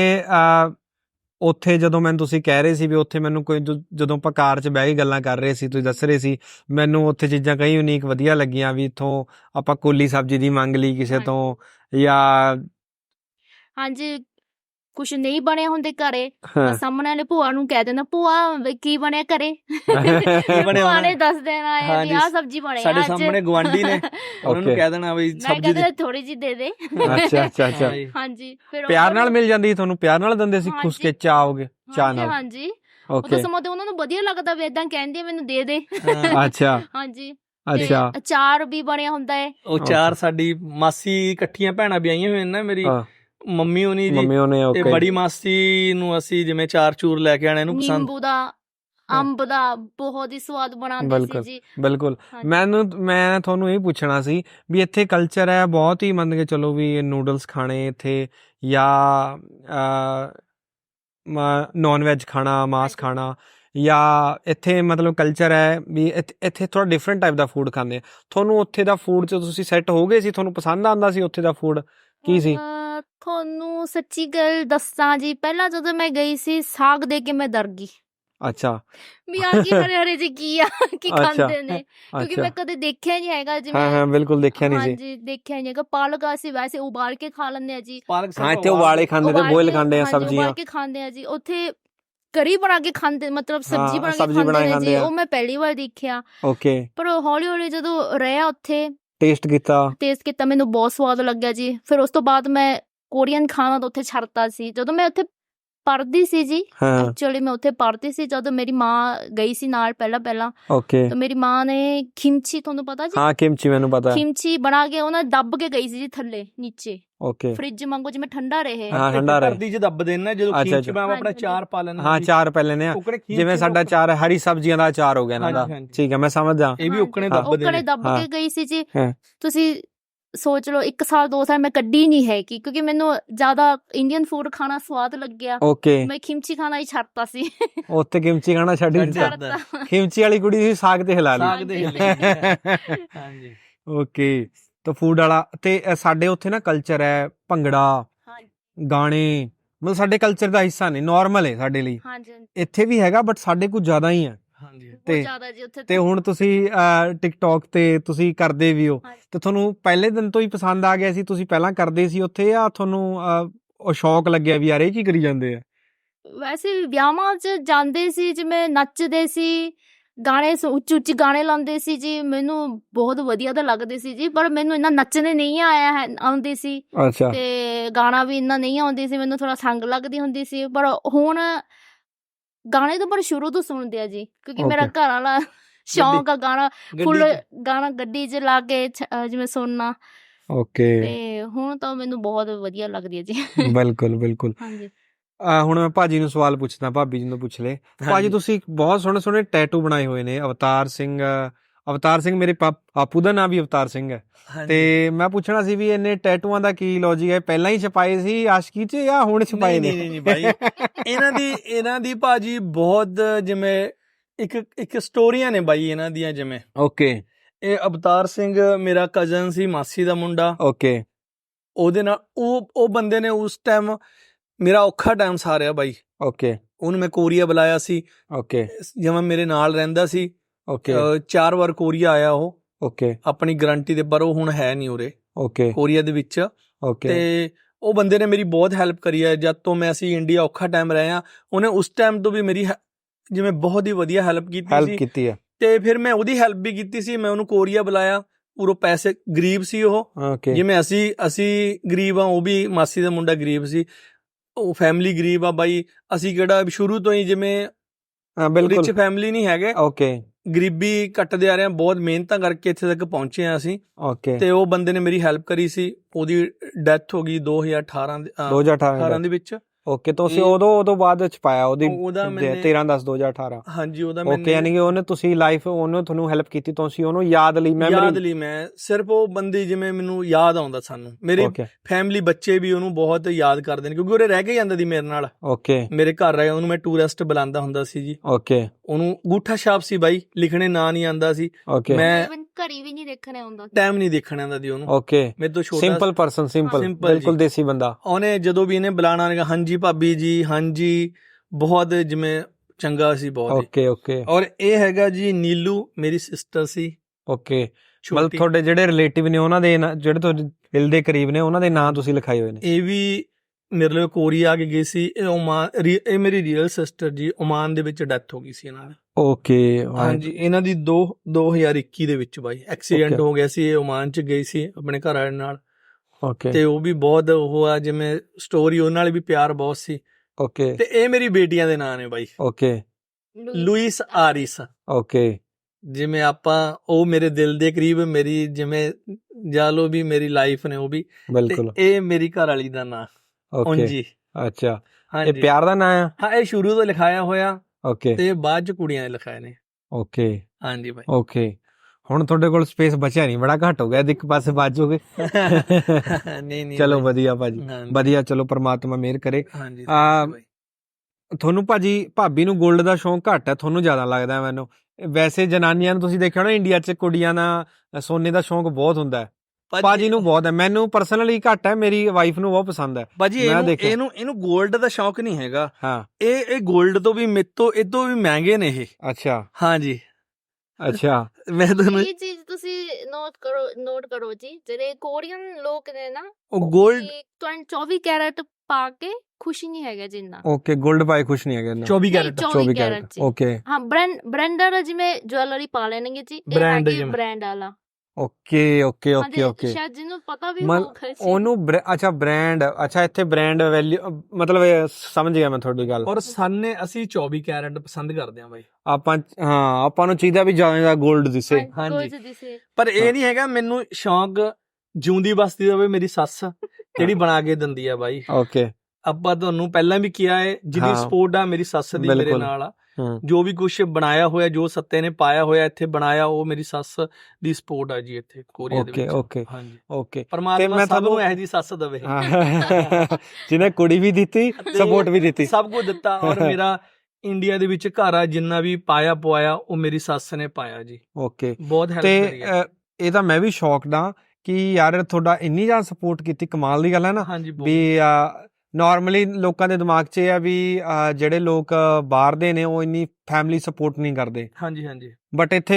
[SPEAKER 3] ਉੱਥੇ ਜਦੋਂ ਮੈਨੂੰ ਤੁਸੀਂ ਕਹਿ ਰਹੇ ਸੀ ਵੀ ਉੱਥੇ ਮੈਨੂੰ ਕੋਈ ਜਦੋਂ ਆਪਾਂ ਕਾਰ 'ਚ ਬਹਿ ਕੇ ਗੱਲਾਂ ਕਰ ਰਹੇ ਸੀ, ਤੁਸੀਂ ਦੱਸ ਰਹੇ ਸੀ, ਮੈਨੂੰ ਉੱਥੇ ਚੀਜ਼ਾਂ ਕਈ ਯੂਨੀਕ ਵਧੀਆ ਲੱਗੀਆਂ, ਵੀ ਇੱਥੋਂ ਆਪਾਂ ਕੋਲੀ ਸਬਜ਼ੀ ਦੀ ਮੰਗ ਲਈ ਕਿਸੇ ਤੋਂ, ਜਾਂ
[SPEAKER 1] ਹਾਂਜੀ ਕੁਛ ਨਹੀਂ ਬਣਿਆ ਹੁੰਦੇ ਘਰੇ, ਸਾਹਮਣੇ ਵਾਲੇ ਭੂਆ ਨੂੰ ਕਹਿ ਦੇਣਾ, ਭੂਆ ਕੀ ਬਣਿਆ ਘਰੇ, ਭੂਆ ਨੇ ਦੱਸ ਦੇਣਾ ਆਹ ਸਬਜ਼ੀ ਬਣੀ
[SPEAKER 2] ਸਾਡੇ ਸਾਹਮਣੇ ਗਵਾਂਢੀ ਨੇ, ਉਹਨਾਂ ਨੂੰ ਕਹਿ ਦੇਣਾ ਵੀ ਸਬਜ਼ੀ
[SPEAKER 1] ਥੋੜੀ ਜਿਹੀ ਦੇ ਦੇ।
[SPEAKER 3] ਅੱਛਾ ਅੱਛਾ ਅੱਛਾ
[SPEAKER 1] ਹਾਂਜੀ ਫਿਰ
[SPEAKER 3] ਪਿਆਰ ਨਾਲ ਮਿਲ ਜਾਂਦੀ, ਤੁਹਾਨੂੰ ਪਿਆਰ ਨਾਲ ਦਿੰਦੇ ਸੀ, ਖੁਸ਼ ਕੇ ਚਾਹੋਗੇ ਚਾਹ ਨਾਲ?
[SPEAKER 1] ਹਾਂਜੀ ਉਦੋਂ ਸਮਾਂ ਤੇ ਉਹਨਾਂ ਨੂੰ ਵਧੀਆ ਲੱਗਦਾ ਵੀ ਏਦਾਂ ਕਹਿੰਦੇ ਮੈਨੂੰ ਦੇ ਦੇ।
[SPEAKER 3] ਅੱਛਾ
[SPEAKER 1] ਹਾਂਜੀ
[SPEAKER 3] ਅੱਛਾ
[SPEAKER 1] ਅਚਾਰ ਵੀ ਬਣਿਆ ਹੁੰਦਾ ਹੈ।
[SPEAKER 2] ਉਹ ਚਾਰ ਸਾਡੀ ਮਾਸੀ ਇਕੱਠੀਆਂ ਭੈਣਾਂ ਵਿਆਹੀਆਂ ਹੋਈਆਂ ਨਾ, ਮੇਰੀ ਮੰਮੀ ਹੋਣੀ ਜੀ ਤੇ ਬੜੀ ਮਾਸੀ ਨੂੰ ਅਸੀਂ ਜਿਵੇਂ ਚਾਰ ਚੂਰ ਲੈ ਕੇ ਆਣੇ, ਇਹਨੂੰ ਪਸੰਦ,
[SPEAKER 1] ਨਿੰਬੂ ਦਾ, ਅੰਬ ਦਾ ਬਹੁਤ ਹੀ ਸਵਾਦ ਬਣਾਉਂਦੇ ਸੀ ਜੀ।
[SPEAKER 3] ਬਿਲਕੁਲ ਮੈਂ ਤੁਹਾਨੂੰ ਇਹ ਪੁੱਛਣਾ ਸੀ ਵੀ ਇੱਥੇ ਕਲਚਰ ਹੈ ਬਹੁਤ ਹੀ, ਮੰਨ ਕੇ ਚਲੋ ਵੀ ਨੂਡਲਸ ਖਾਣੇ ਇੱਥੇ, ਜਾਂ ਨੌਨ ਵੈਜ ਖਾਣਾ, ਮਾਸ ਖਾਣਾ, ਜਾਂ ਇੱਥੇ ਮਤਲਬ ਕਲਚਰ ਹੈ ਵੀ ਇੱਥੇ ਥੋੜਾ ਡਿਫਰੈਂਟ ਟਾਈਪ ਦਾ ਫੂਡ ਖਾਂਦੇ ਆ। ਤੁਹਾਨੂੰ ਉੱਥੇ ਦਾ ਫੂਡ 'ਚ ਤੁਸੀਂ ਸੈੱਟ ਹੋ ਗਏ ਸੀ, ਤੁਹਾਨੂੰ ਪਸੰਦ ਆਉਂਦਾ ਸੀ ਉੱਥੇ ਦਾ ਫੂਡ ਕੀ ਸੀ?
[SPEAKER 1] ਤੁਹਾਨੂੰ ਸੱਚੀ ਗੱਲ ਦੱਸਾਂ ਜੀ, ਪਹਿਲਾਂ ਜਦੋਂ ਮੈਂ ਗਈ ਸੀ ਸਾਗ ਦੇ ਕੇ ਮੈਂ ਡਰ ਗਈ।
[SPEAKER 3] ਅੱਛਾ
[SPEAKER 1] ਵੀ ਆ ਕੀ ਹਰੇ ਹਰੇ ਜੀ ਕੀ ਆ, ਕੀ ਖਾਂਦੇ ਨੇ, ਕਿਉਂਕਿ ਮੈਂ ਕਦੇ ਦੇਖਿਆ ਨਹੀਂ ਹੈਗਾ ਜਿਵੇਂ।
[SPEAKER 3] ਹਾਂ ਬਿਲਕੁਲ ਦੇਖਿਆ ਨਹੀਂ ਸੀ।
[SPEAKER 1] ਹਾਂਜੀ ਦੇਖਿਆ ਨਹੀਂ ਹੈਗਾ। ਪਾਲਕ ਅਸੀਂ ਵੈਸੇ ਉਬਾਲ ਕੇ ਖਾ ਲੈਂਦੇ ਆ ਜੀ,
[SPEAKER 3] ਹਾਂ ਇੱਥੇ ਉਬਾਲੇ ਖਾਂਦੇ ਤੇ ਬੋਇਲ ਖਾਂਦੇ ਆ, ਸਬਜ਼ੀਆਂ
[SPEAKER 1] ਉਬਾਲ ਕੇ ਖਾਂਦੇ ਆ ਜੀ। ਉੱਥੇ ਕਰੀ ਬਣਾ ਕੇ ਖਾਂਦੇ, ਮਤਲਬ ਸਬਜ਼ੀ ਬਣਾ ਕੇ ਖਾਂਦੇ ਨੇ ਜੀ, ਉਹ ਮੈਂ ਪਹਿਲੀ ਵਾਰ ਦੇਖਿਆ।
[SPEAKER 3] ਓਕੇ
[SPEAKER 1] ਪਰ ਹੌਲੀ ਹੌਲੀ ਜਦੋਂ ਰਿਹਾ ਉੱਥੇ
[SPEAKER 3] ਟੇਸਟ ਕੀਤਾ,
[SPEAKER 1] ਮੈਨੂੰ ਬਹੁਤ ਸਵਾਦ ਲੱਗਿਆ ਜੀ। ਫਿਰ ਉਸ ਤੋਂ ਬਾਅਦ ਮੈਂ ਕੋਰੀਅਨ ਖਾਣਾ ਤਾਂ ਉੱਥੇ ਛੱਡਤਾ ਸੀ। ਜਦੋਂ ਮੈਂ ਉੱਥੇ ਪੜ੍ਹਦੀ ਸੀ ਜੀ,
[SPEAKER 3] ਹਾਂ
[SPEAKER 1] ਐਕਚੁਅਲੀ ਮੈਂ ਉੱਥੇ ਪੜ੍ਹਦੀ ਸੀ, ਜਦੋਂ ਮੇਰੀ ਮਾਂ ਗਈ ਸੀ ਨਾਲ ਪਹਿਲਾਂ
[SPEAKER 3] ਓਕੇ
[SPEAKER 1] ਤਾਂ ਮੇਰੀ ਮਾਂ ਨੇ ਖਿਮਚੀ, ਤੁਹਾਨੂੰ ਪਤਾ ਜੀ
[SPEAKER 3] ਹਾਂ ਕਿਮਚੀ ਮੈਨੂੰ ਪਤਾ
[SPEAKER 1] ਖਿਮਚੀ ਬਣਾ ਕੇ ਉਹਨਾਂ ਦੱਬ ਕੇ ਗਈ ਸੀ ਜੀ ਥੱਲੇ ਨੀਚੇ,
[SPEAKER 3] ਓਕੇ
[SPEAKER 1] ਫ੍ਰਿਜ ਵਾਂਗੂ ਜਿਵੇਂ ਠੰਡਾ ਰਹੇ।
[SPEAKER 3] ਹਾਂ ਠੰਡਾ ਰਹੇ
[SPEAKER 2] ਧਰਤੀ 'ਚ ਦੱਬ ਦੇਣਾ ਜਦੋਂ
[SPEAKER 3] ਅੱਛਾ,
[SPEAKER 2] ਖੀਚ ਮੈਂ ਆਪਣਾ
[SPEAKER 1] ਹਾਂਜੀ।
[SPEAKER 2] ਚਾਰ ਪਾ ਲੈਣਾ
[SPEAKER 3] ਹਾਂ ਚਾਰ ਪੈ ਲੈਨੇ ਆ ਜਿਵੇਂ ਸਾਡਾ ਚਾਰ ਹਰੀ ਸਬਜ਼ੀਆਂ ਦਾ ਅਚਾਰ ਹੋ ਗਿਆ ਇਹਨਾਂ ਦਾ
[SPEAKER 2] ਹਾਂਜੀ, ਹਾਂਜੀ।
[SPEAKER 3] ਠੀਕ ਹੈ ਮੈਂ ਸਮਝਦਾ
[SPEAKER 2] ਇਹ ਵੀ ਉਕਣੇ
[SPEAKER 3] ਹਾਂ।
[SPEAKER 2] ਦੱਬ
[SPEAKER 1] ਉਕਣੇ
[SPEAKER 2] ਦੇਣੇ
[SPEAKER 1] ਦੱਬ
[SPEAKER 3] ਹਾਂ।
[SPEAKER 1] ਕੇ ਗਈ ਸੀ ਜੀ।
[SPEAKER 3] ਹਾਂ।
[SPEAKER 1] ਤੁਸੀਂ ਸੋਚ ਲਓ 1 ਸਾਲ 2 ਸਾਲ ਮੈਂ ਕੱਢੀ ਨਹੀਂ ਹੈਗੀ ਕਿਉਂਕਿ ਮੈਨੂੰ ਜ਼ਿਆਦਾ ਇੰਡੀਅਨ ਫੂਡ ਖਾਣਾ ਸਵਾਦ ਲੱਗਿਆ।
[SPEAKER 3] ਓਕੇ
[SPEAKER 1] ਮੈਂ ਖਿਮਚੀ ਖਾਣਾ ਹੀ ਛੱਡਤਾ ਸੀ।
[SPEAKER 3] ਉੱਥੇ ਕਿਮਚੀ ਖਾਣਾ ਛੱਡ ਹੀ ਦਿੱਤਾ
[SPEAKER 1] ਛੱਡਤਾ।
[SPEAKER 3] ਖਿਮਚੀ ਵਾਲੀ ਕੁੜੀ ਸੀ ਸਾਗ ਤੇ ਹਿਲਾ
[SPEAKER 2] ਸਾਗ
[SPEAKER 3] ਲਈ
[SPEAKER 2] ਦੇ ਹਾਂਜੀ
[SPEAKER 3] ਓਕੇ ਤਾਂ ਫੂਡ ਵਾਲਾ ਤੇ ਸਾਡੇ ਉੱਥੇ ਨਾ ਕਲਚਰ ਹੈ ਭੰਗੜਾ
[SPEAKER 1] ਹਾਂਜੀ
[SPEAKER 3] ਗਾਣੇ ਮਤਲਬ ਸਾਡੇ ਕਲਚਰ ਦਾ ਹਿੱਸਾ ਨਹੀਂ ਨਾਰਮਲ ਹੈ ਸਾਡੇ ਲਈ
[SPEAKER 1] ਹਾਂਜੀ
[SPEAKER 3] ਇੱਥੇ ਵੀ ਹੈਗਾ ਬਟ ਸਾਡੇ ਕੁਝ ਜ਼ਿਆਦਾ ਹੀ ਹੈ
[SPEAKER 2] ਹਾਂਜੀ
[SPEAKER 1] ਬਹੁਤ
[SPEAKER 3] ਤੇ-
[SPEAKER 1] ਜ਼ਿਆਦਾ ਜੀ ਉੱਥੇ
[SPEAKER 3] ਤੇ ਹੁਣ ਤੁਸੀਂ ਟਿਕਟੌਕ ਤੇ ਤੁਸੀਂ ਕਰਦੇ ਵੀ ਹੋ
[SPEAKER 1] ਹਾਂਜੀ।
[SPEAKER 3] ਤੇ ਤੁਹਾਨੂੰ ਪਹਿਲੇ ਦਿਨ ਤੋਂ ਹੀ ਪਸੰਦ ਆ ਗਿਆ ਸੀ ਤੁਸੀਂ ਪਹਿਲਾਂ ਕਰਦੇ ਸੀ ਉੱਥੇ ਜਾਂ ਤੁਹਾਨੂੰ ਉਹ ਸ਼ੌਕ ਲੱਗਿਆ ਵੀ ਯਾਰ ਇਹ ਕੀ ਕਰੀ ਜਾਂਦੇ ਆ
[SPEAKER 1] ਵੈਸੇ ਵਿਆਹਾਂ 'ਚ ਜਾਂਦੇ ਸੀ ਜਿਵੇਂ ਨੱਚਦੇ ਸੀ, ਗਾਣੇ ਉੱਚੀ ਉੱਚੀ ਗਾਣੇ ਲਾਉਂਦੇ ਸੀ ਜੀ, ਮੈਨੂੰ ਬਹੁਤ ਵਧੀਆ ਤਾਂ ਲੱਗਦੇ ਸੀ ਜੀ, ਪਰ ਮੈਨੂੰ ਇੰਨਾ ਨੱਚਣੇ ਨਹੀਂ ਆਉਂਦੀ ਸੀ
[SPEAKER 3] ਅੱਛਾ
[SPEAKER 1] ਤੇ ਗਾਣਾ ਵੀ ਇੰਨਾ ਨਹੀਂ ਆਉਂਦੀ ਸੀ, ਮੈਨੂੰ ਥੋੜਾ ਸੰਗ ਲੱਗਦੀ ਹੁੰਦੀ ਸੀ। ਪਰ ਹੁਣ ਗਾਣੇ ਤਾਂ ਪਰ ਸ਼ੁਰੂ ਤੋਂ ਸੁਣਦੇ ਆ ਜੀ ਕਿਉਂਕਿ ਮੇਰਾ
[SPEAKER 3] Okay.
[SPEAKER 1] ਘਰ ਵਾਲਾ ਸ਼ੌਂਕ ਆ ਗਾਣਾ ਫੁੱਲ
[SPEAKER 2] ਗੱਡੀ 'ਚ।
[SPEAKER 1] ਗਾਣਾ ਗੱਡੀ 'ਚ ਲਾ ਕੇ ਜਿਵੇਂ ਸੁਣਨਾ,
[SPEAKER 3] ਓਕੇ
[SPEAKER 1] ਤੇ ਹੁਣ ਤਾਂ ਮੈਨੂੰ ਬਹੁਤ ਵਧੀਆ ਲੱਗਦੀ ਹੈ ਜੀ।
[SPEAKER 3] ਬਿਲਕੁਲ ਬਿਲਕੁਲ
[SPEAKER 1] ਹਾਂਜੀ
[SPEAKER 3] ਹੁਣ ਮੈਂ ਭਾਜੀ ਨੂੰ ਸਵਾਲ ਪੁੱਛਦਾ ਭਾਬੀ ਜੀ ਨੂੰ ਪੁੱਛ ਲੈ ਭਾਜੀ
[SPEAKER 2] ਹਾਂਜੀ।
[SPEAKER 3] ਤੁਸੀਂ ਬਹੁਤ ਸੋਹਣੇ ਸੋਹਣੇ ਟੈਟੂ ਬਣਾਏ ਹੋਏ ਨੇ ਅਵਤਾਰ ਸਿੰਘ ਮੇਰੇ ਪਾਪੂ ਦਾ ਨਾਮ ਵੀ ਅਵਤਾਰ ਸਿੰਘ ਹੈ
[SPEAKER 2] ਹਾਂਜੀ।
[SPEAKER 3] ਤੇ ਮੈਂ ਪੁੱਛਣਾ ਸੀ ਵੀ ਇਹਨੇ ਟੈਟੂਆਂ ਦਾ ਕੀ ਲੌਜੀਕ ਹੈ ਪਹਿਲਾਂ ਹੀ ਛਪਾਏ ਸੀ ਆਸ਼ਕੀ 'ਚ ਜਾਂ ਹੁਣ ਛਪਾਏ ਨੇ
[SPEAKER 2] ਨਹੀਂ ਬਾਈ ਇਹਨਾਂ ਦੀ ਭਾਜੀ ਬਹੁਤ ਜਿਵੇਂ ਇੱਕ ਸਟੋਰੀਆਂ ਨੇ ਬਾਈ ਇਹਨਾਂ ਦੀਆਂ। ਜਿਵੇਂ
[SPEAKER 3] ਓਕੇ
[SPEAKER 2] ਇਹ ਅਵਤਾਰ ਸਿੰਘ ਮੇਰਾ ਕਜ਼ਨ ਸੀ, ਮਾਸੀ ਦਾ ਮੁੰਡਾ।
[SPEAKER 3] ਓਕੇ
[SPEAKER 2] ਉਹਦੇ ਨਾਲ ਉਹ ਬੰਦੇ ਨੇ ਉਸ ਟਾਈਮ ਮੇਰਾ ਔਖਾ ਟਾਈਮ ਸਾਰਿਆ ਬਾਈ।
[SPEAKER 3] ਓਕੇ
[SPEAKER 2] ਉਹਨੂੰ ਮੈਂ ਕੋਰੀਆ ਬੁਲਾਇਆ ਸੀ,
[SPEAKER 3] ਓਕੇ
[SPEAKER 2] ਜਿਵੇਂ ਮੇਰੇ ਨਾਲ ਰਹਿੰਦਾ ਸੀ।
[SPEAKER 3] ਓਕੇ
[SPEAKER 2] 4 ਵਾਰ ਕੋਰੀਆ ਆਇਆ ਉਹ
[SPEAKER 3] ਓਕੇ
[SPEAKER 2] ਆਪਣੀ ਗਰੰਟੀ ਦੇ, ਪਰ ਉਹ ਹੁਣ ਹੈ ਨਹੀਂ ਉਰੇ
[SPEAKER 3] ਓਕੇ
[SPEAKER 2] ਕੋਰੀਆ ਦੇ ਵਿੱਚ।
[SPEAKER 3] ਓਕੇ
[SPEAKER 2] ਤੇ ਉਹ ਬੰਦੇ ਨੇ ਮੇਰੀ ਬਹੁਤ ਹੈਲਪ ਕਰੀ ਹੈ ਜਦ ਤੋਂ ਅਸੀਂ ਇੰਡੀਆ ਔਖਾ ਟਾਈਮ ਰਹੇ ਹਾਂ। ਉਹਨੇ ਉਸ ਟਾਈਮ ਤੋਂ ਵੀ ਮੇਰੀ ਜਿਵੇਂ ਬਹੁਤ ਹੀ ਵਧੀਆ ਹੈਲਪ ਕੀਤੀ
[SPEAKER 3] ਹੈ
[SPEAKER 2] ਤੇ ਫਿਰ ਮੈਂ ਉਹਦੀ ਹੈਲਪ ਵੀ ਕੀਤੀ ਸੀ। ਮੈਂ ਉਹਨੂੰ ਕੋਰੀਆ ਬੁਲਾਇਆ, ਪੂਰੇ ਪੈਸੇ ਗਰੀਬ ਸੀ ਉਹ,
[SPEAKER 3] ਓਕੇ
[SPEAKER 2] ਜਿਵੇਂ ਅਸੀਂ ਗਰੀਬ ਆ, ਉਹ ਵੀ ਮਾਸੀ ਦਾ ਮੁੰਡਾ ਗਰੀਬ ਸੀ, ਉਹ ਫੈਮਿਲੀ ਗਰੀਬ ਆ ਬਾਈ। ਅਸੀਂ ਕਿਹੜਾ ਸ਼ੁਰੂ ਤੋਂ ਹੀ ਜਿਵੇਂ
[SPEAKER 3] ਹਾਂ
[SPEAKER 2] ਰਿਚ
[SPEAKER 3] ਬਿਲਕੁਲ
[SPEAKER 2] ਫੈਮਿਲੀ ਨਹੀਂ ਹੈਗੇ,
[SPEAKER 3] ਓਕੇ
[SPEAKER 2] ਗਰੀਬੀ ਕੱਟਦੇ ਆ ਰਹੇ ਹਾਂ, ਬਹੁਤ ਮਿਹਨਤਾਂ ਕਰਕੇ ਇੱਥੇ ਤੱਕ ਪਹੁੰਚੇ ਆ ਅਸੀਂ।
[SPEAKER 3] ਓਕੇ
[SPEAKER 2] ਤੇ ਉਹ ਬੰਦੇ ਨੇ ਮੇਰੀ ਹੈਲਪ ਕਰੀ ਸੀ। ਉਹਦੀ ਡੈਥ ਹੋ ਗਈ 2018 ਦੇ ਵਿੱਚ।
[SPEAKER 3] ਓਕੇ ਤੁਸੀਂ
[SPEAKER 2] ਇਹ-
[SPEAKER 3] ਉਦੋਂ ਬਾਅਦ ਛਪਾਇਆ ਉਹਦੀ
[SPEAKER 2] ਉਹਦਾ ਮੈਨੇ
[SPEAKER 3] 13/10/2018
[SPEAKER 2] ਹਾਂਜੀ ਉਹਦਾ
[SPEAKER 3] ਓਕੇ ਯਾਨੀ ਕਿ ਉਹਨੇ ਤੁਸੀਂ ਲਾਈਫ ਉਹਨੂੰ ਤੁਹਾਨੂੰ ਹੈਲਪ ਕੀਤੀ ਤੁਸੀਂ ਉਹਨੂੰ ਯਾਦ ਲਈ
[SPEAKER 2] ਯਾਦ
[SPEAKER 3] ਮੈਮਰੀ
[SPEAKER 2] ਲਈ ਮੈਂ ਸਿਰਫ ਉਹ ਬੰਦੇ ਜਿਵੇਂ ਮੈਨੂੰ ਯਾਦ ਆਉਂਦਾ ਸਾਨੂੰ, ਮੇਰੀ
[SPEAKER 3] ਓਕੇ
[SPEAKER 2] ਫੈਮਿਲੀ ਬੱਚੇ ਵੀ ਉਹਨੂੰ ਬਹੁਤ ਯਾਦ ਕਰਦੇ ਨੇ ਕਿਉਂਕਿ ਉਹਰੇ ਰਹਿ ਕੇ ਜਾਂਦਾ ਸੀ ਮੇਰੇ ਨਾਲ,
[SPEAKER 3] ਓਕੇ
[SPEAKER 2] ਮੇਰੇ ਘਰ ਰਹੇ। ਉਹਨੂੰ ਮੈਂ ਟੂਰਿਸਟ ਬੁਲਾਉਂਦਾ ਹੁੰਦਾ ਸੀ ਜੀ।
[SPEAKER 3] ਓਕੇ
[SPEAKER 2] ਉਹਨੂੰ ਅੰਗੂਠਾ ਛਾਪ ਸੀ ਬਾਈ, ਲਿਖਣੇ ਨਾਂ ਨਹੀਂ ਆਂਦਾ ਸੀ।
[SPEAKER 3] ਓਕੇ
[SPEAKER 2] ਮੈਂ
[SPEAKER 1] Even ਘੜੀ ਵੀ ਨਹੀਂ ਦੇਖਣੇ ਆਉਂਦਾ।
[SPEAKER 2] ਟਾਈਮ ਨਹੀਂ ਦੇਖਣ ਆਂਦਾ ਸੀ ਉਹਨੂੰ,
[SPEAKER 3] ਓਕੇ
[SPEAKER 2] ਮੇਰੇ ਤੋਂ ਛੋਟਾ
[SPEAKER 3] ਸਿੰਪਲ ਪਰਸਨ ਸਿੰਪਲ
[SPEAKER 2] Simple
[SPEAKER 3] ਬਿਲਕੁਲ
[SPEAKER 2] ਜੀ।
[SPEAKER 3] ਦੇਸੀ ਬੰਦਾ
[SPEAKER 2] ਉਹਨੇ ਜਦੋਂ ਵੀ ਇਹਨੇ ਬੁਲਾਣਾ ਨੇ ਹਾਂਜੀ ਭਾਬੀ ਜੀ, ਹਾਂਜੀ, ਬਹੁਤ ਜਿਵੇਂ ਚੰਗਾ ਸੀ ਬਹੁਤ ਹੀ।
[SPEAKER 3] ਓਕੇ ਓਕੇ
[SPEAKER 2] ਔਰ ਇਹ ਹੈਗਾ ਜੀ ਨੀਲੂ, ਮੇਰੀ ਸਿਸਟਰ ਸੀ
[SPEAKER 3] ਓਕੇ ਮਤਲਬ
[SPEAKER 2] ਛੋਟੀ।
[SPEAKER 3] ਤੁਹਾਡੇ ਜਿਹੜੇ ਰਿਲੇਟਿਵ ਨੇ ਉਹਨਾਂ ਦੇ ਜਿਹੜੇ ਤੁਹਾਡੇ ਦਿਲ ਦੇ ਕਰੀਬ ਨੇ ਉਹਨਾਂ ਦੇ ਨਾਂ ਤੁਸੀਂ ਲਿਖਾਏ ਹੋਏ ਨੇ
[SPEAKER 2] ਇਹ ਵੀ ਮੇਰੇ ਲਈ ਕੋਰੀਆ ਆ ਕੇ ਗਈ ਸੀ। ਇਹ ਮੇਰੀ ਰੀਅਲ ਸਿਸਟਰ ਜੀ, ਓਮਾਨ ਦੇ ਵਿੱਚ ਡੈਥ ਹੋ ਗਈ ਸੀ ਇਹਨਾਂ ਦੀ।
[SPEAKER 3] ਓਕੇ
[SPEAKER 2] ਹਾਂਜੀ ਇਹਨਾਂ ਦੀ 2021 ਦੇ ਵਿੱਚ ਬਾਈ ਐਕਸੀਡੈਂਟ
[SPEAKER 3] Okay.
[SPEAKER 2] ਹੋ ਗਿਆ ਸੀ। ਇਹ ਓਮਾਨ ਚ ਗਈ ਸੀ ਆਪਣੇ ਘਰ ਵਾਲੇ ਨਾਲ,
[SPEAKER 3] ਓਕੇ
[SPEAKER 2] ਤੇ ਉਹ ਵੀ ਬਹੁਤ ਉਹ ਆ ਜਿਵੇਂ ਸਟੋਰੀ, ਉਹਨਾਂ ਨਾਲ ਵੀ ਪਿਆਰ ਬਹੁਤ ਸੀ।
[SPEAKER 3] ਓਕੇ
[SPEAKER 2] ਤੇ ਇਹ ਮੇਰੀ ਬੇਟੀਆਂ ਦੇ ਨਾਂ ਨੇ ਬਾਈ,
[SPEAKER 3] ਓਕੇ
[SPEAKER 2] ਲੁਈਸ ਆਰਿਸ।
[SPEAKER 3] ਓਕੇ
[SPEAKER 2] ਜਿਵੇਂ ਆਪਾਂ, ਉਹ ਮੇਰੇ ਦਿਲ ਦੇ ਕਰੀਬ, ਮੇਰੀ ਜਿਵੇਂ ਜਾਲੋ ਵੀ ਮੇਰੀ ਲਾਈਫ ਨੇ ਉਹ ਵੀ। ਤੇ
[SPEAKER 3] ਬਿਲਕੁਲ
[SPEAKER 2] ਇਹ ਮੇਰੀ ਘਰ ਵਾਲੀ ਦਾ ਨਾਂ
[SPEAKER 3] ਓਕੇ
[SPEAKER 2] ਉਂਜੀ।
[SPEAKER 3] ਅੱਛਾ ਇਹ
[SPEAKER 2] ਹਾਂਜੀ
[SPEAKER 3] ਪਿਆਰ ਦਾ ਨਾਂ ਆ
[SPEAKER 2] ਹਾਂ, ਇਹ ਸ਼ੁਰੂ ਤੋਂ ਲਿਖਾਇਆ ਹੋਇਆ
[SPEAKER 3] ਓਕੇ
[SPEAKER 2] ਤੇ ਬਾਅਦ ਚ ਕੁੜੀਆਂ ਨੇ ਲਿਖਾਏ ਨੇ।
[SPEAKER 3] ਓਕੇ
[SPEAKER 2] ਹਾਂਜੀ ਬਾਈ।
[SPEAKER 3] ਓਕੇ ਹੁਣ ਤੁਹਾਡੇ ਕੋਲ ਸਪੇਸ ਬਚਿਆ ਨਹੀਂ, ਬੜਾ ਘੱਟ ਹੋ ਗਿਆ, ਇੱਕ ਪਾਸੇ ਬਾਜੋਗੇ
[SPEAKER 2] ਨਹੀਂ
[SPEAKER 3] ਚਲੋ
[SPEAKER 2] ਬਾਈ।
[SPEAKER 3] ਵਧੀਆ ਭਾਜੀ
[SPEAKER 2] ਹਾਂਜੀ,
[SPEAKER 3] ਵਧੀਆ, ਚਲੋ ਪ੍ਰਮਾਤਮਾ ਮਿਹਰ ਕਰੇ।
[SPEAKER 2] ਹਾਂਜੀ ਬਾਈ।
[SPEAKER 3] ਤੁਹਾਨੂੰ ਭਾਜੀ ਭਾਬੀ ਨੂੰ 골ਡ ਦਾ ਸ਼ੌਂਕ ਘੱਟ ਹੈ, ਤੁਹਾਨੂੰ ਜ਼ਿਆਦਾ ਲੱਗਦਾ ਮੈਨੂੰ। ਵੈਸੇ ਜਨਾਨੀਆਂ ਨੂੰ ਤੁਸੀਂ ਦੇਖਿਆ ਹੋਣਾ ਇੰਡੀਆ 'ਚ ਕੁੜੀਆਂ ਦਾ ਸੋਨੇ ਦਾ ਸ਼ੌਂਕ ਬਹੁਤ ਹੁੰਦਾ ਹੈ, ਭਾਜੀ ਨੂੰ ਬਹੁਤ ਹੈ, ਮੈਨੂੰ ਪਰਸਨਲੀ ਘੱਟ ਹੈ, ਮੇਰੀ ਵਾਈਫ ਨੂੰ ਬਹੁਤ ਪਸੰਦ ਹੈ।
[SPEAKER 2] ਭਾਜੀ
[SPEAKER 3] ਮੈਂ ਦੇਖਿਆ।
[SPEAKER 2] ਇਹਨੂੰ 골ਡ ਦਾ ਸ਼ੌਕ ਨਹੀਂ ਹੈਗਾ।
[SPEAKER 3] ਹਾਂ
[SPEAKER 2] ਇਹ 골ਡ ਤੋਂ ਵੀ ਇਹ ਤੋਂ ਵੀ ਮਹਿੰਗੇ ਨੇ ਇਹ।
[SPEAKER 3] ਅੱਛਾ
[SPEAKER 2] ਹਾਂਜੀ
[SPEAKER 3] ਅੱਛਾ
[SPEAKER 2] ਮੈਂ ਤੁਹਾਨੂੰ
[SPEAKER 1] ਇਹ ਚੀਜ਼ ਤੁਸੀਂ ਨੋਟ ਕਰੋ ਜੀ, ਜਿਹੜੇ ਕੋਰੀਅਨ ਲੋਕ ਨੇ ਨਾ,
[SPEAKER 2] ਉਹ 골ਡ
[SPEAKER 1] 24 ਕੈਰਟ ਪਾ ਕੇ ਖੁਸ਼ੀ ਨਹੀਂ ਹੈਗਾ ਜਿੰਨਾ।
[SPEAKER 3] ਓਕੇ 골ਡ ਪਾਏ ਖੁਸ਼ ਨਹੀਂ ਹੈਗੇ ਨਾ
[SPEAKER 2] 24 ਕੈਰਟ
[SPEAKER 1] 24 ਕੈਰਟ ਜੀ।
[SPEAKER 3] ਓਕੇ
[SPEAKER 1] ਹਾਂ ਬ੍ਰਾਂਡਰ ਜਿਵੇਂ ਜੁਐਲਰੀ ਪਾ ਲੈਣਗੇ ਜੀ, ਇਹ
[SPEAKER 2] Brand
[SPEAKER 1] ਹੈਗੀ
[SPEAKER 2] ਜਿਵੇਂ।
[SPEAKER 1] ਬ੍ਰਾਂਡ ਵਾਲਾ।
[SPEAKER 3] ਓਕੇ ਓਕੇ ਓਕੇ
[SPEAKER 1] ਹਾਂਜੀ,
[SPEAKER 3] ਓਕੇ
[SPEAKER 1] ਸ਼ਾਇਦ ਜਿਹਨੂੰ ਪਤਾ ਵੀ
[SPEAKER 3] ਮਤਲਬ
[SPEAKER 1] ਹੋਊਗਾ ਜੀ।
[SPEAKER 3] ਉਹਨੂੰ ਅੱਛਾ ਬ੍ਰਾਂਡ, ਅੱਛਾ ਇੱਥੇ ਬ੍ਰਾਂਡ ਵੈਲਿਊ, ਮਤਲਬ ਸਮਝ ਗਿਆ ਮੈਂ ਤੁਹਾਡੀ ਗੱਲ।
[SPEAKER 2] ਔਰ ਅਸੀਂ 24 ਕੈਰਟ ਪਸੰਦ ਕਰਦੇ ਹਾਂ ਬਾਈ।
[SPEAKER 3] ਆਪਾਂ ਨੂੰ ਚਾਹੀਦਾ ਵੀ ਜ਼ਿਆਦਾ ਦਾ 골ਡ ਦਿਸੇ।
[SPEAKER 2] ਹਾਂਜੀ।
[SPEAKER 1] ਗੋਲਡ ਦਿਸੇ।
[SPEAKER 2] ਪਰ ਇਹ ਨਹੀਂ ਹੈਗਾ ਮੈਨੂੰ ਸ਼ੌਂਕ ਜਿਉਂਦੀ ਬਸਦੀ ਹੋਵੇ ਮੇਰੀ ਸੱਸ ਜਿਹੜੀ ਬਣਾ ਕੇ ਦਿੰਦੀ ਆ ਬਾਈ।
[SPEAKER 3] ਓਕੇ।
[SPEAKER 2] ਆਪਾਂ ਤੁਹਾਨੂੰ ਪਹਿਲਾਂ ਵੀ ਕਿਹਾ ਹੈ, ਜਿੰਨੀ ਸਪੋਰਟ ਆ ਮੇਰੀ ਸੱਸ ਦੀ ਮੇਰੇ ਨਾਲ ਆ। ਜੋ ਵੀ ਕੁਝ ਬਣਾਇਆ ਹੋਇਆ, ਜੋ ਸੱਤੇ ਨੇ ਪਾਇਆ ਹੋਇਆ ਇੱਥੇ ਬਣਾਇਆ, ਉਹ ਮੇਰੀ ਸੱਸ ਦੀ ਸਪੋਰਟ ਆ ਜੀ ਇੱਥੇ ਕੋਰੀਆ ਦੇ ਵਿੱਚ।
[SPEAKER 3] ਓਕੇ
[SPEAKER 2] ਹਾਂਜੀ
[SPEAKER 3] ਓਕੇ।
[SPEAKER 2] ਪਰਮਾਤਮਾ ਸਭ ਨੂੰ ਇਹੋ ਜਿਹੀ ਸੱਸ ਦੇਵੇ
[SPEAKER 3] ਜਿਹਨੇ ਕੁੜੀ ਵੀ ਦਿੱਤੀ, ਸਪੋਰਟ ਵੀ ਦਿੱਤੀ,
[SPEAKER 2] ਸਭ ਕੁਝ ਦਿੱਤਾ। ਔਰ ਮੇਰਾ ਇੰਡੀਆ ਦੇ ਵਿੱਚ ਘਰ ਆ, ਜਿੰਨਾ ਵੀ ਪਾਇਆ ਪਵਾਇਆ ਉਹ ਮੇਰੀ ਸੱਸ ਨੇ ਪਾਇਆ ਜੀ।
[SPEAKER 3] ਓਕੇ।
[SPEAKER 2] ਬਹੁਤ ਹੈਲਪ
[SPEAKER 3] ਤੇ
[SPEAKER 2] ਕਰੀ ਹੈ।
[SPEAKER 3] ਇਹ ਤਾਂ ਮੈਂ ਵੀ ਸ਼ੌਕਡ ਹਾਂ ਕਿ ਯਾਰ ਤੁਹਾਡਾ ਇੰਨੀ ਜ਼ਿਆਦਾ ਸਪੋਰਟ ਕੀਤੀ, ਕਮਾਲ ਦੀ ਗੱਲ ਹੈ ਨਾ।
[SPEAKER 2] ਹਾਂਜੀ
[SPEAKER 3] ਵੀ ਨਾਰਮਲੀ ਲੋਕਾਂ ਦੇ ਦਿਮਾਗ 'ਚ ਇਹ ਆ ਵੀ ਜਿਹੜੇ ਲੋਕ ਬਾਹਰ ਦੇ ਨੇ ਉਹ ਇੰਨੀ ਫੈਮਿਲੀ ਸਪੋਰਟ ਨਹੀਂ ਕਰਦੇ।
[SPEAKER 2] ਹਾਂਜੀ ਹਾਂਜੀ।
[SPEAKER 3] ਬਟ ਇੱਥੇ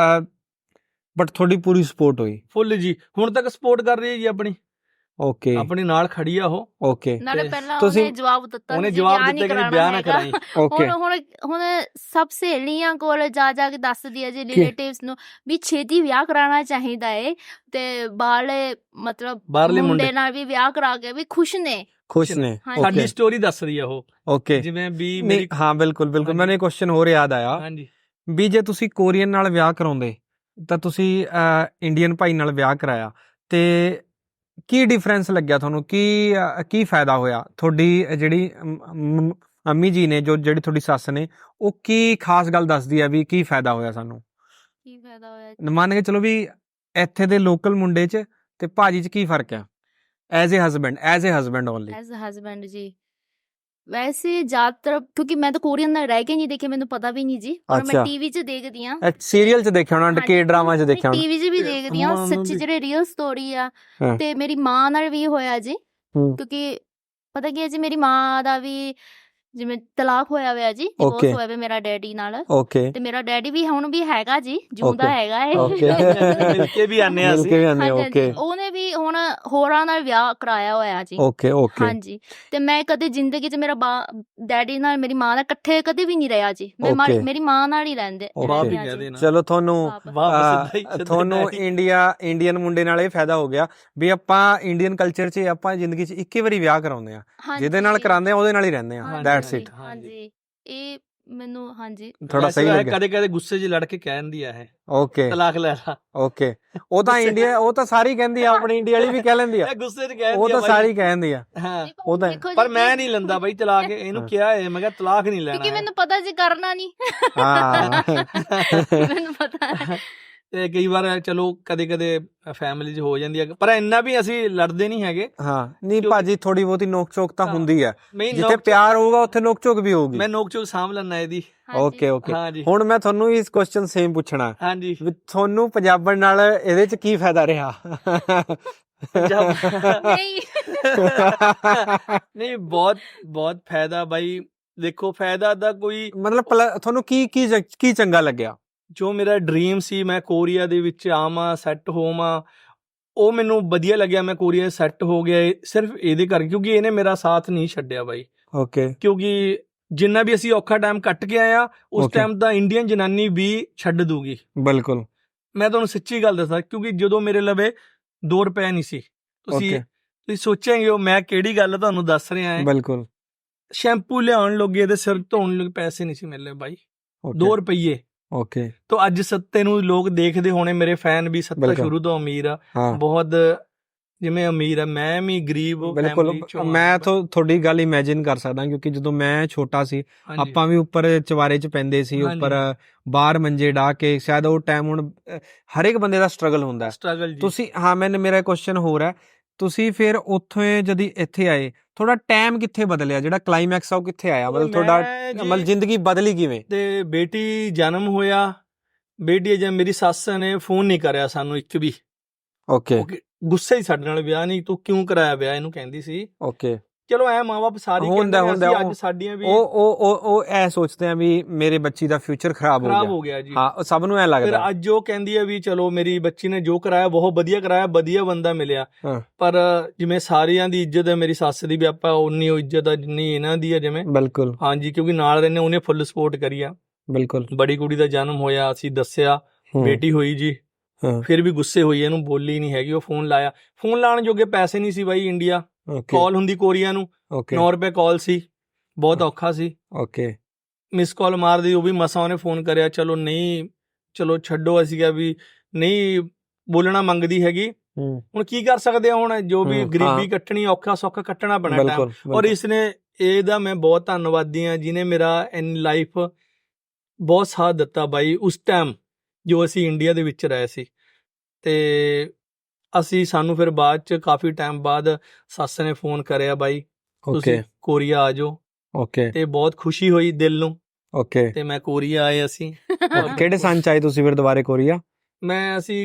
[SPEAKER 3] ਬਟ ਤੁਹਾਡੀ ਪੂਰੀ ਸਪੋਰਟ ਹੋਈ
[SPEAKER 2] ਫੁੱਲ ਜੀ, ਹੁਣ ਤੱਕ ਸਪੋਰਟ ਕਰ ਰਹੀ ਹੈ ਜੀ ਆਪਣੀ।
[SPEAKER 3] ਓਕੇ।
[SPEAKER 2] ਆਪਣੀ ਨਾਲ ਖੜੀ ਆ ਉਹ।
[SPEAKER 3] ਓਕੇ।
[SPEAKER 1] ਨਾਲੇ ਪਹਿਲਾਂ
[SPEAKER 3] ਤੁਸੀਂ-
[SPEAKER 1] ਉਹਨੇ ਜਵਾਬ ਦਿੱਤਾ
[SPEAKER 2] ਉਹਨੇ
[SPEAKER 1] ਸੀ
[SPEAKER 2] ਜਵਾਬ
[SPEAKER 1] ਵਿਆਹ
[SPEAKER 2] ਦਿੱਤਾ ਕਿ
[SPEAKER 1] ਨਹੀਂ
[SPEAKER 2] ਵਿਆਹ ਨਾ
[SPEAKER 1] ਕਰਾਉਣਾ
[SPEAKER 2] ਕਰਾਈ।
[SPEAKER 3] ਓਕੇ।
[SPEAKER 1] ਹੁਣ ਸਭ ਸਹੇਲੀਆਂ ਕੋਲ ਜਾ ਕੇ ਦੱਸਦੀ ਹੈ ਜੀ ਰਿਲੇਟਿਵਸ ਨੂੰ ਵੀ ਛੇਤੀ ਵਿਆਹ ਕਰਾਉਣਾ ਚਾਹੀਦਾ ਏ, ਤੇ ਬਾਹਰਲੇ ਮਤਲਬ
[SPEAKER 2] ਬਾਹਰਲੇ
[SPEAKER 1] ਮੁੰਡੇ ਨਾਲ ਵੀ ਵਿਆਹ ਕਰਾ ਕੇ ਵੀ ਖੁਸ਼ ਨੇ।
[SPEAKER 3] ਖੁਸ਼ ਨੇ।
[SPEAKER 2] ਸਾਡੀ ਸਟੋਰੀ ਦੱਸ ਰਹੀ ਆ ਉਹ।
[SPEAKER 3] ਓਕੇ।
[SPEAKER 2] ਜਿਵੇਂ ਵੀ
[SPEAKER 3] ਨਹੀਂ, ਹਾਂ ਬਿਲਕੁਲ ਬਿਲਕੁਲ। ਮੈਨੂੰ ਇੱਕ ਕੁਐਸਚਨ ਹੋਰ ਯਾਦ ਆਇਆ
[SPEAKER 2] ਹਾਂਜੀ
[SPEAKER 3] ਵੀ ਜੇ ਤੁਸੀਂ ਕੋਰੀਅਨ ਨਾਲ ਵਿਆਹ ਕਰਾਉਂਦੇ ਤਾਂ ਤੁਸੀਂ ਇੰਡੀਅਨ ਭਾਈ ਨਾਲ ਵਿਆਹ ਕਰਾਇਆ, ਤੇ ਕੀ ਡਿਫਰੈਂਸ ਲੱਗਿਆ ਤੁਹਾਨੂੰ? ਕੀ ਫਾਇਦਾ ਹੋਇਆ? ਤੁਹਾਡੀ ਜਿਹੜੀ ਅੰਮੀ ਜੀ ਨੇ, ਜਿਹੜੀ ਤੁਹਾਡੀ ਸੱਸ ਨੇ, ਉਹ ਕੀ ਖਾਸ ਗੱਲ ਦੱਸਦੀ ਆ ਵੀ ਕੀ ਫਾਇਦਾ ਹੋਇਆ ਸਾਨੂੰ?
[SPEAKER 1] ਕੀ ਫਾਇਦਾ ਹੋਇਆ?
[SPEAKER 3] ਮੰਨ ਕੇ ਚਲੋ ਵੀ ਇੱਥੇ ਦੇ ਲੋਕਲ ਮੁੰਡੇ 'ਚ ਤੇ ਭਾਜੀ 'ਚ ਕੀ ਫਰਕ ਆ? As a husband only.
[SPEAKER 1] As a husband ਜੀ, ਵੈਸੇ ਜ਼ਿਆਦਾਤਰ ਕਿਉਂਕਿ ਮੈਂ ਤਾਂ ਕੋਰੀਅਨ ਨਾਲ ਰਹਿ ਕੇ ਨਹੀਂ ਦੇਖਿਆ, ਮੈਨੂੰ ਪਤਾ ਵੀ ਨਹੀਂ ਜੀ। ਪਰ ਮੈਂ ਟੀਵੀ 'ਚ ਦੇਖਦੀ ਆ,
[SPEAKER 3] ਸੀਰੀਅਲ 'ਚ ਦੇਖਿਆ ਹੋਣਾ, ਕੇ ਡਰਾਮਾ 'ਚ ਦੇਖਿਆ ਹੋਣਾ,
[SPEAKER 1] ਟੀਵੀ 'ਚ ਵੀ ਦੇਖਦੀ ਆ। ਸੱਚੀ ਜਿਹੜੇ ਰੀਅਲ ਸਟੋਰੀ ਆ। ਤੇ ਮੇਰੀ ਮਾਂ ਨਾਲ ਵੀ ਹੋਇਆ ਜੀ, ਕਿਉਂਕਿ ਪਤਾ ਕੀ ਹੈ ਜੀ, ਮੇਰੀ ਮਾਂ ਦਾ ਵੀ ਜਿਵੇਂ ਤਲਾਕ ਹੋਇਆ ਹੋਇਆ ਜੀ, ਡਿਵੋਰਸ ਹੋਇਆ ਹੋਇਆ ਮੇਰਾ ਡੈਡੀ ਨਾਲ।
[SPEAKER 3] ਓਕੇ।
[SPEAKER 1] ਤੇ ਮੇਰਾ ਡੈਡੀ ਵੀ ਹੁਣ ਵੀ ਹੈਗਾ ਜੀ, ਜਿਉਂਦਾ ਹੈਗਾ ਏ।
[SPEAKER 2] ਮਿਲ ਕੇ ਵੀ ਆਨੇ ਆ ਅਸੀਂ।
[SPEAKER 3] ਓਕੇ।
[SPEAKER 1] ਉਹਨੇ ਵੀ ਹੁਣ ਹੋਰਾਂ ਨਾਲ ਵਿਆਹ ਕਰਾਇਆ ਹੋਇਆ ਜੀ।
[SPEAKER 3] Okay okay.
[SPEAKER 1] ਹਾਂਜੀ। ਤੇ ਮੈਂ ਕਦੇ ਜ਼ਿੰਦਗੀ 'ਚ ਮੇਰਾ ਡੈਡੀ ਨਾਲ ਮੇਰੀ ਮਾਂ ਨਾਲ ਇਕੱਠੇ ਕਦੇ ਵੀ ਨਹੀਂ ਰਿਹਾ ਜੀ। ਮੈਂ ਮੇਰੀ ਮਾਂ ਨਾਲ ਹੀ ਰਹਿੰਦੇ।
[SPEAKER 3] ਚਲੋ ਤੁਹਾਨੂੰ ਇੰਡੀਅਨ ਮੁੰਡੇ ਨਾਲ ਇਹ ਫਾਇਦਾ ਹੋ ਗਿਆ ਵੀ ਆਪਾਂ ਇੰਡੀਅਨ ਕਲਚਰ 'ਚ ਆਪਾਂ ਜ਼ਿੰਦਗੀ 'ਚ ਇੱਕ ਹੀ ਵਾਰੀ ਵਿਆਹ ਕਰਾਉਂਦੇ ਆ, ਜਿਹਦੇ ਨਾਲ ਕਰਾਉਂਦੇ ਆ ਉਹਦੇ ਨਾਲ ਹੀ ਰਹਿੰਦੇ ਆ। That's it.
[SPEAKER 1] ਹਾਂਜੀ, ਇਹ ਮੈਨੂੰ ਹਾਂਜੀ
[SPEAKER 3] ਥੋੜਾ ਸਹੀ ਲੱਗਿਆ।
[SPEAKER 2] ਕਦੇ ਕਦੇ ਗੁੱਸੇ 'ਚ ਲੜ ਕੇ ਕਹਿ ਦਿੰਦੀ ਆ ਇਹ।
[SPEAKER 3] ਓਕੇ।
[SPEAKER 2] ਤਲਾਕ ਲੈ ਲਾ।
[SPEAKER 3] ਓਕੇ। ਉਹ ਤਾਂ ਇੰਡੀਆ, ਉਹ ਤਾਂ ਸਾਰੀ ਕਹਿੰਦੀ ਆ, ਆਪਣੀ ਇੰਡੀਆ ਵਾਲੀ ਵੀ ਕਹਿ ਲੈਂਦੀ ਆ।
[SPEAKER 2] ਗੁੱਸੇ 'ਚ ਕਹਿ
[SPEAKER 3] ਉਹ ਤਾਂ ਸਾਰੀ ਕਹਿੰਦੀ ਆ।
[SPEAKER 2] ਹਾਂ।
[SPEAKER 3] ਉਹ ਤਾਂ
[SPEAKER 2] ਪਰ ਮੈਂ ਨਹੀਂ ਲੈਂਦਾ ਬਾਈ ਤਲਾਕ। ਇਹਨੂੰ ਕਿਹਾ ਹੈ, ਮੈਂ ਕਿਹਾ ਤਲਾਕ ਨਹੀਂ ਲੈਣਾ,
[SPEAKER 1] ਕਿਉਂਕਿ ਮੈਨੂੰ ਪਤਾ ਜੀ ਕਰਨਾ ਨਹੀਂ।
[SPEAKER 3] ਹਾਂ
[SPEAKER 1] ਮੈਨੂੰ ਪਤਾ।
[SPEAKER 2] ਤੇ ਕਈ ਵਾਰ ਚਲੋ ਕਦੇ ਕਦੇ ਫੈਮਿਲੀ 'ਚ ਹੋ ਜਾਂਦੀ ਹੈ, ਪਰ ਇੰਨਾ ਵੀ ਅਸੀਂ ਲੜਦੇ ਨਹੀਂ ਹੈਗੇ।
[SPEAKER 3] ਹਾਂ ਨਹੀਂ ਭਾਜੀ, ਥੋੜੀ ਬਹੁਤੀ ਨੋਕ ਚੋਕ ਤਾਂ ਹੁੰਦੀ ਹੈ। ਜਿੱਥੇ
[SPEAKER 2] ਨੋਕ
[SPEAKER 3] ਪਿਆਰ ਹੋਊਗਾ ਉੱਥੇ ਨੋਕ ਚੋਕ ਵੀ ਹੋਊਗੀ।
[SPEAKER 2] ਮੈਂ ਨੋਕ ਚੋਕ ਸਾਂਭ ਲੈਣਾ ਇਹਦੀ।
[SPEAKER 3] Okay okay.
[SPEAKER 2] ਹਾਂਜੀ।
[SPEAKER 3] ਹੁਣ ਮੈਂ ਤੁਹਾਨੂੰ ਇਸ ਕੁਐਸਚਨ ਸੇਮ ਪੁੱਛਣਾ।
[SPEAKER 2] ਹਾਂਜੀ।
[SPEAKER 3] ਵੀ ਤੁਹਾਨੂੰ ਪੰਜਾਬਣ ਨਾਲ ਇਹਦੇ 'ਚ ਕੀ ਫਾਇਦਾ ਰਿਹਾ?
[SPEAKER 2] ਨਹੀਂ, ਬਹੁਤ ਫਾਇਦਾ ਬਾਈ। ਦੇਖੋ ਫਾਇਦਾ ਦਾ ਕੋਈ
[SPEAKER 3] ਮਤਲਬ ਤੁਹਾਨੂੰ ਕੀ ਚੰਗਾ ਲੱਗਿਆ?
[SPEAKER 2] ਜੋ ਮੇਰਾ ਡ੍ਰੀਮ ਸੀ ਮੈਂ ਕੋਰੀਆ ਦੇ ਵਿੱਚ ਆਵਾਂ, ਸੈੱਟ ਹੋਵਾਂ, ਉਹ ਮੈਨੂੰ ਵਧੀਆ ਲੱਗਿਆ। ਮੈਂ ਕੋਰੀਆ ਸੈੱਟ ਹੋ ਗਿਆ ਸਿਰਫ ਇਹਦੇ ਕਰਕੇ, ਕਿਉਂਕਿ ਇਹਨੇ ਮੇਰਾ ਸਾਥ ਨਹੀਂ ਛੱਡਿਆ ਬਾਈ।
[SPEAKER 3] ਓਕੇ।
[SPEAKER 2] ਕਿਉਂਕਿ ਜਿੰਨਾ ਵੀ ਅਸੀਂ ਔਖਾ ਟਾਈਮ ਕੱਟ ਕੇ ਆਇਆ, ਉਸ ਟਾਈਮ ਦਾ ਇੰਡੀਅਨ ਜਨਾਨੀ ਵੀ ਛੱਡ ਦੂਗੀ।
[SPEAKER 3] ਬਿਲਕੁਲ।
[SPEAKER 2] ਮੈਂ ਤੁਹਾਨੂੰ ਸੱਚੀ ਗੱਲ ਦੱਸਾਂ, ਕਿਉਂਕਿ ਜਦੋਂ ਮੇਰੇ ਲਵੇ 2 ਰੁਪਏ ਨਹੀਂ ਸੀ, ਤੁਸੀਂ ਸੋਚਾਂਗੇ ਉਹ ਮੈਂ ਕਿਹੜੀ ਗੱਲ ਤੁਹਾਨੂੰ ਦੱਸ ਰਿਹਾ ਹਾਂ।
[SPEAKER 3] ਬਿਲਕੁਲ।
[SPEAKER 2] ਸ਼ੈਂਪੂ ਲਿਆਉਣ ਲੱਗੇ ਤੇ ਸਿਰ ਧੋਣ ਲੱਗੇ ਪੈਸੇ ਨਹੀਂ ਸੀ ਮਿਲਦੇ ਬਾਈ, 2 ਰੁਪਏ।
[SPEAKER 3] ਓਕੇ।
[SPEAKER 2] ਤਾਂ ਅੱਜ ਸੱਤੇ ਨੂੰ ਲੋਕ ਦੇਖਦੇ ਹੋਣੇ, ਮੇਰੇ ਫੈਨ ਵੀ। ਸੱਤਾ ਸ਼ੁਰੂ ਤੋਂ ਅਮੀਰ ਆ, ਬਹੁਤ ਜਿਵੇਂ ਅਮੀਰ ਆ, ਮੈਂ ਵੀ ਗਰੀਬ ਫੈਮਿਲੀ ਚੋਂ।
[SPEAKER 3] ਮੈਂ ਤੁਹਾਡੀ ਗੱਲ ਇਮੇਜਿਨ ਕਰ ਸਕਦਾ, ਕਿਉਂਕਿ ਜਦੋਂ ਮੈਂ ਛੋਟਾ ਸੀ ਆਪਾਂ ਵੀ ਉੱਪਰ ਚਵਾਰੇ 'ਚ ਪੈਂਦੇ ਸੀ, ਉੱਪਰ ਬਾਹਰ ਮੰਜੇ ਢਾ ਕੇ। ਸ਼ਾਇਦ ਉਹ ਟਾਈਮ ਹੁਣ ਹਰ ਇੱਕ ਬੰਦੇ ਦਾ ਸਟਰਗਲ ਹੁੰਦਾ। ਤੁਸੀਂ ਮੇਰਾ ਕੁਐਸਚਨ ਹੋਰ ਹੈ, ਤੁਸੀਂ ਫਿਰ ਉੱਥੋਂ ਜਦ ਇੱਥੇ ਆਏ ਤੁਹਾਡਾ ਟਾਈਮ ਕਿੱਥੇ ਬਦਲਿਆ? ਜਿਹੜਾ ਕਲਾਈਮੈਕਸ ਆ ਉਹ ਕਿੱਥੇ ਆਇਆ? ਮਤਲਬ ਤੁਹਾਡਾ ਜ਼ਿੰਦਗੀ ਬਦਲੀ ਕਿਵੇਂ?
[SPEAKER 2] ਤੇ ਬੇਟੀ ਜਨਮ ਹੋਇਆ, ਬੇਟੀ ਜਦ ਮੇਰੀ ਸੱਸ ਨੇ ਫੋਨ ਨਹੀਂ ਕਰਿਆ ਸਾਨੂੰ ਇੱਕ ਵੀ।
[SPEAKER 3] ਓਕੇ।
[SPEAKER 2] ਗੁੱਸੇ ਹੀ ਸਾਡੇ ਨਾਲ, ਵਿਆਹ ਨਹੀਂ, ਤੂੰ ਕਿਉਂ ਕਰਾਇਆ ਵਿਆਹ, ਇਹਨੂੰ ਕਹਿੰਦੀ ਸੀ।
[SPEAKER 3] ਓਕੇ।
[SPEAKER 2] ਚਲੋ ਐ ਮਾਂ-ਬਾਪ ਸਾਰੇ
[SPEAKER 3] ਹੁੰਦਾ
[SPEAKER 2] ਅੱਜ ਸਾਡੀਆਂ ਵੀ
[SPEAKER 3] ਉਹ ਐ ਸੋਚਦੇ ਆ ਵੀ ਮੇਰੇ ਬੱਚੀ ਦਾ ਫਿਊਚਰ ਖਰਾਬ ਹੋ ਗਿਆ ਜੀ। ਹਾਂ, ਸਭ ਨੂੰ ਐ ਲੱਗਦਾ।
[SPEAKER 2] ਫਿਰ ਅੱਜ ਉਹ ਕਹਿੰਦੀ ਆ ਵੀ ਚਲੋ ਮੇਰੀ ਬੱਚੀ ਨੇ ਜੋ ਕਰਾਇਆ ਬਹੁਤ ਵਧੀਆ ਕਰਾਇਆ, ਵਧੀਆ ਬੰਦਾ ਮਿਲਿਆ। ਪਰ ਜਿਵੇਂ ਸਾਰਿਆਂ ਦੀ ਇੱਜ਼ਤ ਹੈ, ਮੇਰੀ ਸੱਸ ਦੀ ਵੀ ਆਪਾਂ ਉਨੀ ਇੱਜ਼ਤ ਆ ਜਿੰਨੀ ਇਹਨਾਂ ਦੀ ਆ ਜਿਵੇਂ। ਬਿਲਕੁਲ। ਹਾਂਜੀ, ਕਿਉਂਕਿ ਨਾਲ ਰਹਿੰਦੇ, ਉਹਨੇ ਫੁੱਲ ਸਪੋਰਟ ਕਰੀ ਆ। ਬਿਲਕੁਲ। ਬੜੀ ਕੁੜੀ ਦਾ ਜਨਮ ਹੋਇਆ, ਅਸੀਂ ਦੱਸਿਆ, ਬੇਟੀ ਹੋਈ ਜੀ।
[SPEAKER 3] ਹਾਂ
[SPEAKER 2] ਫਿਰ ਵੀ ਗੁੱਸੇ ਹੋਈ, ਇਹਨੂੰ ਬੋਲੀ ਨਹੀਂ ਹੈਗੀ। ਉਹ ਫੋਨ ਲਾਇਆ, ਫੋਨ ਲਾਉਣ ਜੋਗੇ ਪੈਸੇ ਨਹੀਂ ਸੀ ਬਾਈ ਇੰਡੀਆ।
[SPEAKER 3] ਓਕੇ
[SPEAKER 2] ਕਾਲ ਹੁੰਦੀ ਕੋਰੀਆ ਨੂੰ,
[SPEAKER 3] ਓਕੇ
[SPEAKER 2] 9 ਰੁਪਏ ਕਾਲ ਸੀ, ਬਹੁਤ ਔਖਾ ਸੀ।
[SPEAKER 3] ਓਕੇ
[SPEAKER 2] ਮਿਸ ਕਾਲ ਮਾਰਦੀ, ਉਹ ਵੀ ਮਸਾਂ ਉਹਨੇ ਫੋਨ ਕਰਿਆ। ਚਲੋ ਨਹੀਂ, ਚਲੋ ਛੱਡੋ, ਅਸੀਂ ਕਿਹਾ ਵੀ ਨਹੀਂ ਬੋਲਣਾ ਮੰਗਦੀ ਹੈਗੀ, ਹੁਣ ਕੀ ਕਰ ਸਕਦੇ ਆ, ਹੁਣ ਜੋ ਵੀ ਗਰੀਬੀ ਕੱਟਣੀ, ਔਖਾ ਸੌਖਾ ਕੱਟਣਾ ਪੈਣਾ ਟਾਈਮ। ਔਰ ਇਸਨੇ, ਇਹਦਾ ਮੈਂ ਬਹੁਤ ਧੰਨਵਾਦੀ ਹਾਂ ਜਿਹਨੇ ਮੇਰਾ ਇਨ ਲਾਈਫ ਬਹੁਤ ਸਾਥ ਦਿੱਤਾ ਬਾਈ ਉਸ ਟਾਈਮ ਜੋ ਅਸੀਂ ਇੰਡੀਆ ਦੇ ਵਿੱਚ ਰਹੇ ਸੀ। ਤੇ ਸਾਨੂੰ ਫਿਰ ਬਾਅਦ ਚ ਕਾਫੀ ਟਾਈਮ ਬਾਅਦ ਸੱਸ ਨੇ ਫੋਨ ਕਰਿਆ, ਬਾਈ ਤੁਸੀਂ ਕੋਰੀਆ ਆ ਜਾਓ।
[SPEAKER 3] ਓਕੇ
[SPEAKER 2] ਤੇ ਬਹੁਤ ਖੁਸ਼ੀ ਹੋਈ ਦਿਲ ਨੂੰ।
[SPEAKER 3] ਓਕੇ
[SPEAKER 2] ਤੇ ਮੈਂ ਕੋਰੀਆ ਆਏ ਅਸੀਂ।
[SPEAKER 3] ਕਿਹੜੇ ਸੰਨ ਚ ਆਏ ਤੁਸੀਂ ਫਿਰ ਦੁਬਾਰੇ ਕੋਰੀਆ?
[SPEAKER 2] ਅਸੀਂ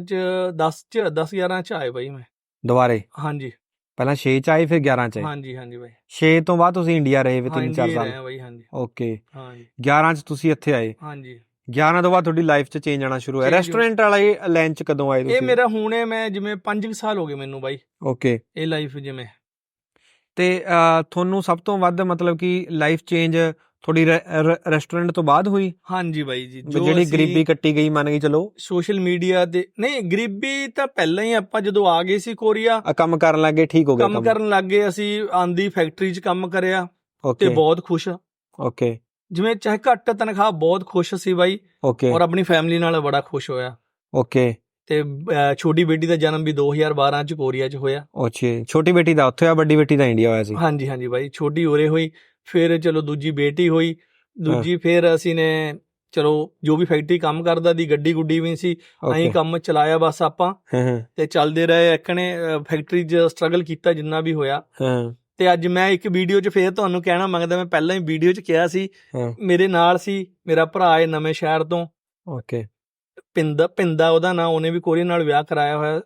[SPEAKER 2] 10-11 ਚ ਆਏ ਬਾਈ ਮੈਂ
[SPEAKER 3] ਦੁਬਾਰੇ।
[SPEAKER 2] ਹਾਂਜੀ,
[SPEAKER 3] ਪਹਿਲਾਂ 6 ਚ ਆਏ ਫਿਰ 11 ਚ ਆਏ।
[SPEAKER 2] ਹਾਂਜੀ ਹਾਂਜੀ ਬਾਈ।
[SPEAKER 3] 6 ਤੋਂ ਬਾਅਦ ਤੁਸੀਂ ਇੰਡੀਆ ਰਹੇ 3-4 ਸਾਲ?
[SPEAKER 2] ਬਾਈ ਹਾਂਜੀ।
[SPEAKER 3] ਓਕੇ,
[SPEAKER 2] ਹਾਂਜੀ
[SPEAKER 3] 11 ਚ ਤੁਸੀਂ ਇੱਥੇ ਆਏ।
[SPEAKER 2] ਹਾਂਜੀ,
[SPEAKER 3] 11 ਤੋਂ ਬਾਅਦ ਤੁਹਾਡੀ ਲਾਈਫ ਚ ਚੇਂਜ ਆਣਾ ਸ਼ੁਰੂ ਹੋਇਆ। ਰੈਸਟੋਰੈਂਟ ਵਾਲੇ ਲਾਈਨ ਚ ਕਦੋਂ ਆਏ ਤੁਸੀਂ?
[SPEAKER 2] ਇਹ ਮੇਰਾ ਹੁਣੇ ਮੈਂ ਜਿਵੇਂ 5 ਸਾਲ ਹੋ ਗਏ ਮੈਨੂੰ ਬਾਈ।
[SPEAKER 3] ਓਕੇ,
[SPEAKER 2] ਇਹ ਲਾਈਫ ਜਿਵੇਂ।
[SPEAKER 3] ਤੇ ਤੁਹਾਨੂੰ ਸਭ ਤੋਂ ਵੱਧ ਮਤਲਬ ਕਿ ਲਾਈਫ ਚੇਂਜ ਥੋੜੀ ਰੈਸਟੋਰੈਂਟ ਤੋਂ ਬਾਅਦ ਹੋਈ?
[SPEAKER 2] ਹਾਂਜੀ ਬਾਈ ਜੀ,
[SPEAKER 3] ਜਿਹੜੀ ਗਰੀਬੀ ਕੱਟੀ ਗਈ ਮੰਨ ਗਈ ਚਲੋ।
[SPEAKER 2] ਸੋਸ਼ਲ ਮੀਡੀਆ ਤੇ ਨਹੀਂ, ਗਰੀਬੀ ਤਾਂ ਪਹਿਲਾਂ ਹੀ, ਆਪਾਂ ਜਦੋਂ ਆ ਗਏ ਸੀ ਕੋਰੀਆ
[SPEAKER 3] ਕੰਮ ਕਰਨ ਲੱਗੇ, ਠੀਕ ਹੋ ਗਿਆ
[SPEAKER 2] ਕੰਮ ਕਰਨ ਲੱਗ ਗਏ। ਅਸੀਂ ਆਂਦੀ ਫੈਕਟਰੀ 'ਚ ਕੰਮ ਕਰਿਆ
[SPEAKER 3] ਓਕੇ
[SPEAKER 2] ਤੇ ਬਹੁਤ ਖੁਸ਼।
[SPEAKER 3] ਓਕੇ,
[SPEAKER 2] ਜਿਵੇਂ ਚਾਹੇ ਘੱਟ ਤਨਖਾਹ, ਬਹੁਤ ਖੁਸ਼ ਸੀ ਬਾਈ।
[SPEAKER 3] ਓਕੇ,
[SPEAKER 2] ਔਰ ਆਪਣੀ ਫੈਮਿਲੀ ਨਾਲ ਬੜਾ ਖੁਸ਼ ਹੋਇਆ।
[SPEAKER 3] ਓਕੇ,
[SPEAKER 2] ਤੇ ਛੋਟੀ ਬੇਟੀ ਦਾ ਜਨਮ ਵੀ 2012 ਚ ਕੋਰੀਆ ਚ ਹੋਇਆ।
[SPEAKER 3] ਅੱਛਾ, ਛੋਟੀ ਬੇਟੀ ਦਾ ਉੱਥੇ ਆ, ਵੱਡੀ ਬੇਟੀ ਦਾ ਇੰਡੀਆ ਹੋਇਆ ਸੀ?
[SPEAKER 2] ਹਾਂਜੀ ਹਾਂਜੀ ਬਾਈ, ਛੋਟੀ ਉਰੇ ਹੋਈ, ਫਿਰ ਚਲੋ ਦੂਜੀ ਬੇਟੀ ਹੋਈ, ਦੂਜੀ ਫਿਰ ਅਸੀਂ ਨੇ ਚਲੋ ਜੋ ਵੀ ਫੈਕਟਰੀ ਕੰਮ ਕਰਦਾ ਦੀ, ਗੱਡੀ ਗੁੱਡੀ ਵੀ ਸੀ, ਅਸੀਂ ਕੰਮ ਚਲਾਇਆ ਬਸ ਆਪਾਂ, ਤੇ ਚੱਲਦੇ ਰਹੇ। ਇੱਕਣੇ ਫੈਕਟਰੀ 'ਚ ਸਟਰਗਲ ਕੀਤਾ ਜਿੰਨਾ ਵੀ ਹੋਇਆ। ਤੇ ਅੱਜ ਮੈਂ ਇੱਕ ਵੀਡੀਓ 'ਚ ਫੇਰ ਤੁਹਾਨੂੰ ਕਹਿਣਾ ਮੰਗਦਾ, ਮੈਂ ਪਹਿਲਾਂ ਹੀ ਵੀਡੀਓ 'ਚ ਕਿਹਾ ਸੀ, ਮੇਰੇ ਨਾਲ ਸੀ ਮੇਰਾ ਭਰਾ ਹੈ ਨਵੇਂ ਸ਼ਹਿਰ ਤੋਂ,
[SPEAKER 3] ਓਕੇ,
[SPEAKER 2] ਪਿੰਦਾ ਉਹਦਾ ਨਾਂ, ਉਹਨੇ ਵੀ ਕੋਰੀਆ ਨਾਲ ਵਿਆਹ ਕਰਾਇਆ ਹੋਇਆ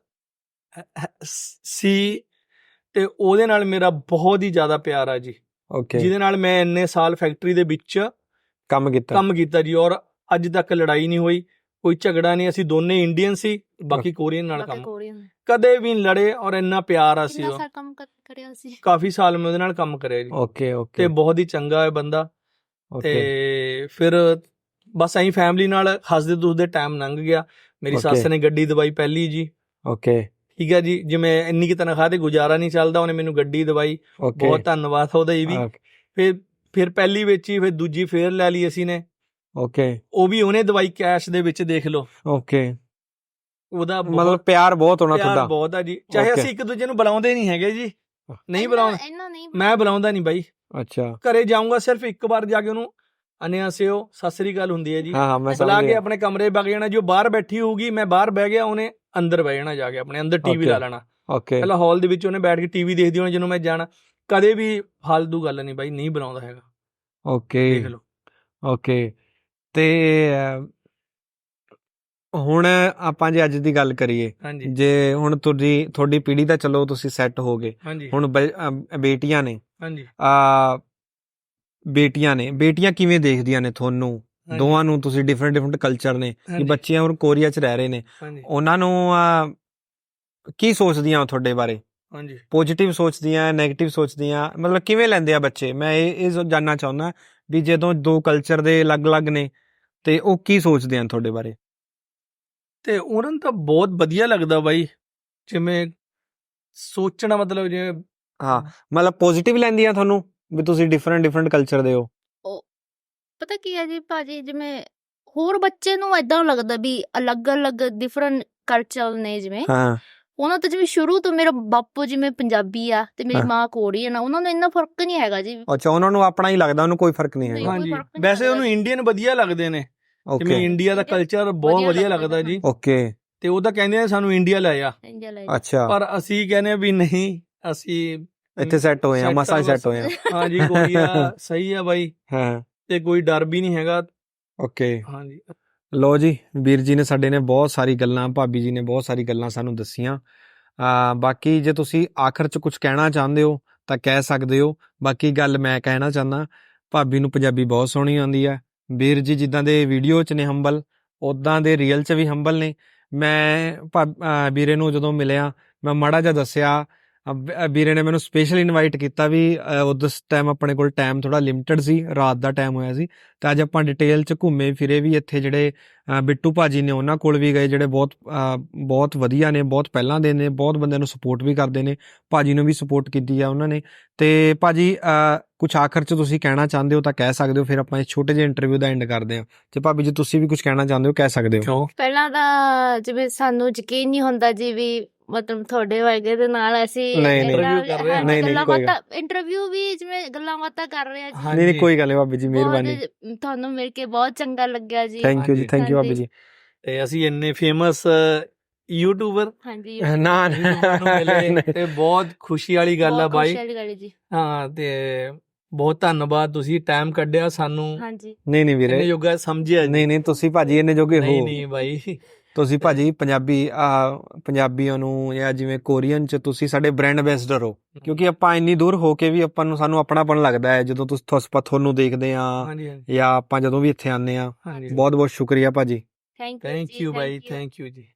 [SPEAKER 2] ਸੀ, ਤੇ ਉਹਦੇ ਨਾਲ ਮੇਰਾ ਬਹੁਤ ਹੀ ਜ਼ਿਆਦਾ ਪਿਆਰ ਆ ਜੀ, ਜਿਹਦੇ ਨਾਲ ਮੈਂ ਇੰਨੇ ਸਾਲ ਫੈਕਟਰੀ ਦੇ ਵਿੱਚ ਕੰਮ ਕੀਤਾ ਜੀ। ਔਰ ਅੱਜ ਤੱਕ ਲੜਾਈ ਨਹੀਂ ਹੋਈ, ਕੋਈ ਝਗੜਾ ਨਹੀਂ। ਅਸੀਂ ਦੋਨੇ ਇੰਡੀਅਨ ਸੀ, ਬਾਕੀ ਕੋਰੀਅਨ ਨਾਲ ਕੰਮ ਕਦੇ ਵੀ ਨਹੀਂ ਲੜੇ, ਔਰ ਇੰਨਾ ਪਿਆਰ ਆ ਸੀ। ਕਾਫੀ ਸਾਲ ਮੈਂ ਉਹਦੇ ਨਾਲ ਕੰਮ ਕਰਿਆ ਜੀ।
[SPEAKER 3] ਓਕੇ ਓਕੇ,
[SPEAKER 2] ਤੇ ਬਹੁਤ ਹੀ ਚੰਗਾ ਹੈ ਬੰਦਾ। ਤੇ ਫਿਰ ਬਸ ਅਸੀਂ ਫੈਮਿਲੀ ਨਾਲ ਹੱਸਦੇ ਦੁੱਖਦੇ ਟਾਈਮ ਲੰਘ ਗਿਆ। ਮੇਰੀ ਸੱਸ ਨੇ ਗੱਡੀ ਦਵਾਈ ਪਹਿਲੀ ਜੀ।
[SPEAKER 3] ਓਕੇ,
[SPEAKER 2] ਠੀਕ ਹੈ ਜੀ, ਜਿਵੇਂ ਇੰਨੀ ਕੀ ਤਨਖਾਹ ਤੇ ਗੁਜ਼ਾਰਾ ਨਹੀਂ ਚੱਲਦਾ, ਉਹਨੇ ਮੈਨੂੰ ਗੱਡੀ ਦਵਾਈ, ਬਹੁਤ ਧੰਨਵਾਦ ਉਹਦਾ ਇਹ ਵੀ। ਫਿਰ ਪਹਿਲੀ ਵੇਚੀ, ਫਿਰ ਦੂਜੀ ਫੇਰ ਲੈ ਲਈ ਅਸੀਂ ਨੇ।
[SPEAKER 3] ਓਕੇ,
[SPEAKER 2] ਉਹ ਵੀ ਉਹਨੇ ਦਵਾਈ ਕੈਸ਼ ਦੇ ਵਿੱਚ, ਦੇਖ ਲਓ।
[SPEAKER 3] ਓਕੇ,
[SPEAKER 2] ਉਹਦਾ
[SPEAKER 3] ਮਤਲਬ ਪਿਆਰ ਬਹੁਤ ਹੋਣਾ ਤੁਹਾਡਾ?
[SPEAKER 2] ਪਿਆਰ ਬਹੁਤ ਆ ਜੀ, ਚਾਹੇ ਅਸੀਂ ਇੱਕ ਦੂਜੇ ਨੂੰ ਬੁਲਾਉਂਦੇ ਨਹੀਂ ਹੈਗੇ ਜੀ, ਨਹੀਂ ਬੁਲਾਉਂਦਾ, ਮੈਂ ਬੁਲਾਉਂਦਾ ਨਹੀਂ ਬਾਈ। ਅੱਛਾ, ਘਰੇ ਜਾਊਂਗਾ ਸਿਰਫ ਇੱਕ ਵਾਰ ਜਾ ਕੇ ਉਹਨੂੰ ਅਨਿਆਸਿਓ ਸਤਿ ਸ੍ਰੀ ਅਕਾਲ ਹੁੰਦੀ ਹੈ ਜੀ, ਬੁਲਾ ਕੇ ਆਪਣੇ ਕਮਰੇ ਵਗ ਜਾਣਾ। ਜੋ ਬਾਹਰ ਬੈਠੀ ਹੋਊਗੀ, ਮੈਂ ਬਾਹਰ ਬਹਿ ਗਿਆ, ਉਹਨੇ ਅੰਦਰ ਬਹਿ ਜਾਣਾ, ਜਾ ਕੇ ਆਪਣੇ ਅੰਦਰ ਟੀਵੀ ਲਾ ਲੈਣਾ। ਪਹਿਲਾਂ ਹਾਲ ਦੇ ਵਿੱਚ ਉਹਨੇ ਬੈਠ ਕੇ ਟੀਵੀ ਦੇਖਦੀ ਹੋਣੀ, ਜਦੋਂ ਮੈਂ ਜਾਣਾ। ਕਦੇ ਵੀ ਫਾਲਤੂ ਗੱਲ ਨਹੀਂ ਬਾਈ, ਨਹੀਂ ਬੁਲਾਉਂਦਾ ਹੈਗਾ।
[SPEAKER 3] ਓਕੇ,
[SPEAKER 2] ਦੇਖ ਲਓ।
[SPEAKER 3] ਓਕੇ, ਤੇ ਹੁਣ ਆਪਾਂ ਜੇ ਅੱਜ ਦੀ ਗੱਲ ਕਰੀਏ, ਜੇ ਹੁਣ ਤੁਹਾਡੀ ਪੀੜ੍ਹੀ ਦਾ ਚਲੋ ਤੁਸੀਂ ਸੈੱਟ ਹੋ ਗਏ, ਹੁਣ ਬੇਟੀਆਂ ਨੇ, ਬੇਟੀਆਂ ਕਿਵੇਂ ਦੇਖਦੀਆਂ ਨੇ ਤੁਹਾਨੂੰ ਦੋਵਾਂ ਨੂੰ? ਤੁਸੀਂ ਡਿਫਰੈਂਟ ਕਲਚਰ ਨੇ, ਬੱਚੀਆਂ ਹੁਣ ਕੋਰੀਆ 'ਚ ਰਹਿ ਰਹੇ ਨੇ, ਉਹਨਾਂ ਨੂੰ ਕੀ ਸੋਚਦੀਆਂ ਤੁਹਾਡੇ ਬਾਰੇ? ਪੋਜ਼ਿਟਿਵ ਸੋਚਦੀਆਂ, ਨੈਗੇਟਿਵ ਸੋਚਦੀਆਂ, ਮਤਲਬ ਕਿਵੇਂ ਲੈਂਦੇ ਆ ਬੱਚੇ? ਮੈਂ ਇਹ ਜਾਣਨਾ ਚਾਹੁੰਦਾ ਵੀ ਜਦੋਂ ਦੋ ਕਲਚਰ ਦੇ ਅਲੱਗ-ਅਲੱਗ ਨੇ ਤੇ ਉਹ ਕੀ ਸੋਚਦੇ ਆ ਤੁਹਾਡੇ ਬਾਰੇ?
[SPEAKER 2] ਤੇ ਉਹਨਾਂ ਨੂੰ ਤਾਂ ਬਹੁਤ ਵਧੀਆ ਲੱਗਦਾ ਬਾਈ, ਜਿਵੇਂ ਸੋਚਣਾ, ਮਤਲਬ ਜਿਵੇਂ
[SPEAKER 3] ਮਤਲਬ ਪੋਜ਼ਿਟਿਵ ਲੈਂਦੀਆਂ ਤੁਹਾਨੂੰ ਵੀ ਤੁਸੀਂ ਡਿਫਰੈਂਟ ਕਲਚਰ ਦੇ ਹੋ?
[SPEAKER 1] ਪਤਾ ਕੀ ਹੈ ਜੀ ਭਾਜੀ, ਜਿਵੇਂ ਹੋਰ ਬੱਚੇ ਨੂੰ ਏਦਾਂ ਲੱਗਦਾ ਵੀ ਅਲੱਗ-ਅਲੱਗ ਡਿਫਰੈਂਟ ਕਲਚਰ ਨੇ, ਜਿਵੇਂ ਉਹਨਾਂ ਤੋਂ, ਜਿਵੇਂ ਸ਼ੁਰੂ ਤੋਂ ਮੇਰਾ ਬਾਪੂ ਜਿਵੇਂ ਪੰਜਾਬੀ ਆ ਤੇ ਮੇਰੀ ਮਾਂ ਕੋਰੀਅਨ ਆ, ਉਹਨਾਂ ਨੂੰ ਇੰਨਾ ਫਰਕ ਨਹੀਂ ਹੈਗਾ ਜੀ।
[SPEAKER 3] ਅੱਛਾ, ਉਹਨਾਂ ਨੂੰ ਆਪਣਾ ਹੀ ਲੱਗਦਾ, ਉਹਨੂੰ ਕੋਈ ਫਰਕ ਨਹੀਂ ਹੈਗਾ?
[SPEAKER 2] ਹਾਂਜੀ, ਵੈਸੇ ਉਹਨੂੰ ਇੰਡੀਅਨ ਵਧੀਆ ਲੱਗਦੇ ਨੇ, ਜਿਵੇਂ ਇੰਡੀਆ ਦਾ ਕਲਚਰ ਬਹੁਤ ਵਧੀਆ ਲੱਗਦਾ ਜੀ। ਓਕੇ, ਤੇ ਉਹ ਤਾਂ ਕਹਿੰਦੇ ਆ ਸਾਨੂੰ ਇੰਡੀਆ ਲੈ ਆ।
[SPEAKER 3] ਅੱਛਾ,
[SPEAKER 2] ਪਰ ਅਸੀਂ ਕਹਿੰਦੇ ਆ ਵੀ ਨਹੀਂ, ਅਸੀਂ
[SPEAKER 3] ਇੱਥੇ ਸੈੱਟ ਹੋਏ ਆ, ਮਸਾਂ ਸੈੱਟ ਹੋਏ ਆ।
[SPEAKER 2] ਹਾਂਜੀ, ਕੋਰੀਆ ਸਹੀ ਆ ਬਾਈ, ਤੇ ਕੋਈ ਡਰ ਵੀ ਨਹੀਂ ਹੈਗਾ।
[SPEAKER 3] ਓਕੇ,
[SPEAKER 2] ਹਾਂਜੀ।
[SPEAKER 3] ਲੋ ਜੀ, ਵੀਰ ਜੀ ਨੇ ਸਾਡੇ ਨੇ ਬਹੁਤ ਸਾਰੀ ਗੱਲਾਂ, ਭਾਬੀ ਜੀ ਨੇ ਬਹੁਤ ਸਾਰੀ ਗੱਲਾਂ ਸਾਨੂੰ ਦੱਸੀਆਂ। ਬਾਕੀ ਜੇ ਤੁਸੀਂ ਆਖਰ 'ਚ ਕੁਝ ਕਹਿਣਾ ਚਾਹੁੰਦੇ ਹੋ ਤਾਂ ਕਹਿ ਸਕਦੇ ਹੋ। ਬਾਕੀ ਗੱਲ ਮੈਂ ਕਹਿਣਾ ਚਾਹੁੰਦਾ, ਭਾਬੀ ਨੂੰ ਪੰਜਾਬੀ ਬਹੁਤ ਸੋਹਣੀ ਆਉਂਦੀ ਹੈ। ਵੀਰ ਜੀ ਜਿੱਦਾਂ ਦੇ ਵੀਡੀਓ 'ਚ ਨੇ ਹੰਬਲ, ਉੱਦਾਂ ਦੇ ਰੀਅਲ 'ਚ ਵੀ ਹੰਬਲ ਨੇ। ਮੈਂ ਵੀਰੇ ਨੂੰ ਜਦੋਂ ਮਿਲਿਆ, ਮੈਂ ਮਾੜਾ ਜਿਹਾ ਦੱਸਿਆ ਵੀਰੇ ਨੇ ਮੈਨੂੰ ਸਪੈਸ਼ਲ ਇਨਵਾਈਟ ਕੀਤਾ ਵੀ ਉਸ ਟਾਈਮ ਆਪਣੇ ਕੋਲ ਟਾਈਮ ਥੋੜਾ ਲਿਮਟਿਡ ਸੀ, ਰਾਤ ਦਾ ਟਾਈਮ ਹੋਇਆ ਸੀ, ਤੇ ਅੱਜ ਆਪਾਂ ਡਿਟੇਲ ਚ ਘੁੰਮੇ ਫਿਰੇ ਵੀ ਇੱਥੇ। ਜਿਹੜੇ ਬਿੱਟੂ ਭਾਜੀ ਨੇ ਉਹਨਾਂ ਕੋਲ ਵੀ ਗਏ, ਜਿਹੜੇ ਬਹੁਤ ਵਧੀਆ ਨੇ, ਬਹੁਤ ਪਹਿਲਾਂ ਦੇ ਨੇ, ਬਹੁਤ ਬੰਦਿਆਂ ਨੂੰ ਸਪੋਰਟ ਵੀ ਕਰਦੇ ਨੇ, ਭਾਜੀ ਨੂੰ ਵੀ ਸਪੋਰਟ ਕੀਤੀ ਆ ਉਹਨਾਂ ਨੇ। ਤੇ ਭਾਜੀ ਕੁਛ ਆਖਰ ਚ ਤੁਸੀਂ ਕਹਿਣਾ ਚਾਹੁੰਦੇ ਹੋ ਤਾਂ ਕਹਿ ਸਕਦੇ ਹੋ, ਫਿਰ ਆਪਾਂ ਇਸ ਛੋਟੇ ਜਿਹੇ ਇੰਟਰਵਿਊ ਦਾ ਐਂਡ ਕਰਦੇ ਹਾਂ। ਤੇ ਭਾਬੀ ਜੀ ਤੁਸੀਂ ਵੀ ਕੁਝ ਕਹਿਣਾ ਚਾਹੁੰਦੇ ਹੋ ਕਹਿ ਸਕਦੇ ਹੋ।
[SPEAKER 1] ਪਹਿਲਾਂ ਤਾਂ ਜਿਵੇਂ ਸਾਨੂੰ ਯਕੀਨ ਨਹੀਂ ਹੁੰਦਾ ਜੀ ਵੀ ਮਤਲਬ ਤੁਹਾਡੇ ਵਰਗੇ ਦੇ ਨਾਲ ਅਸੀਂ ਇੰਟਰਵਿਊ ਵੀ ਜਿਵੇਂ ਗੱਲਾਂ ਬਾਤਾਂ ਕਰ ਰਹੇ ਆ ਜੀ।
[SPEAKER 3] ਨਹੀਂ ਕੋਈ ਗੱਲ ਨਹੀਂ ਭਾਬੀ ਜੀ, ਮਿਹਰਬਾਨੀ,
[SPEAKER 1] ਤੁਹਾਨੂੰ ਮਿਲ ਕੇ ਬਹੁਤ ਚੰਗਾ ਲੱਗਿਆ ਜੀ।
[SPEAKER 3] ਥੈਂਕ ਯੂ ਜੀ, ਥੈਂਕ ਯੂ ਭਾਬੀ ਜੀ।
[SPEAKER 2] ਤੇ ਅਸੀਂ ਇੰਨੇ ਫੇਮਸ ਯੂਟਿਊਬਰ
[SPEAKER 1] ਹਾਂਜੀ
[SPEAKER 3] ਨਾ
[SPEAKER 2] ਤੇ ਬਹੁਤ ਖੁਸ਼ੀ ਵਾਲੀ ਗੱਲ ਆ ਬਾਈ।
[SPEAKER 1] ਜੀ
[SPEAKER 2] ਹਾਂ, ਤੇ ਬਹੁਤ ਧੰਨਵਾਦ, ਤੁਸੀਂ ਟਾਈਮ ਕੱਢਿਆ ਸਾਨੂੰ।
[SPEAKER 1] ਹਾਂਜੀ
[SPEAKER 3] ਨਹੀਂ ਵੀਰੇ,
[SPEAKER 2] ਇਹਨੇ ਜੋਗਾ ਸਮਝਿਆ
[SPEAKER 3] ਨਹੀਂ ਤੁਸੀਂ ਭਾਜੀ ਇਹਨੇ ਜੋਗੇ ਹੋ।
[SPEAKER 2] ਨਹੀਂ ਬਾਈ,
[SPEAKER 3] ਤੁਸੀਂ ਭਾਜੀ ਪੰਜਾਬੀਆਂ ਨੂੰ ਜਾਂ ਜਿਵੇਂ ਕੋਰੀਅਨ ਚ ਤੁਸੀਂ ਸਾਡੇ ਬ੍ਰਾਂਡ ਐਂਬੈਸਡਰ ਹੋ, ਕਿਉਂਕਿ ਆਪਾਂ ਇੰਨੀ ਦੂਰ ਹੋ ਕੇ ਵੀ ਸਾਨੂੰ ਆਪਣਾਪਣ ਲੱਗਦਾ ਹੈ ਜਦੋਂ ਤੁਹਾਨੂੰ ਦੇਖਦੇ ਆ ਜਾਂ ਆਪਾਂ ਜਦੋਂ ਵੀ ਇੱਥੇ ਆਉਂਦੇ ਆ। ਬਹੁਤ ਬਹੁਤ ਸ਼ੁਕਰੀਆ ਭਾਜੀ।
[SPEAKER 1] ਥੈਂਕ ਯੂ
[SPEAKER 2] ਬਾਈ, ਥੈਂਕ ਯੂ ਜੀ।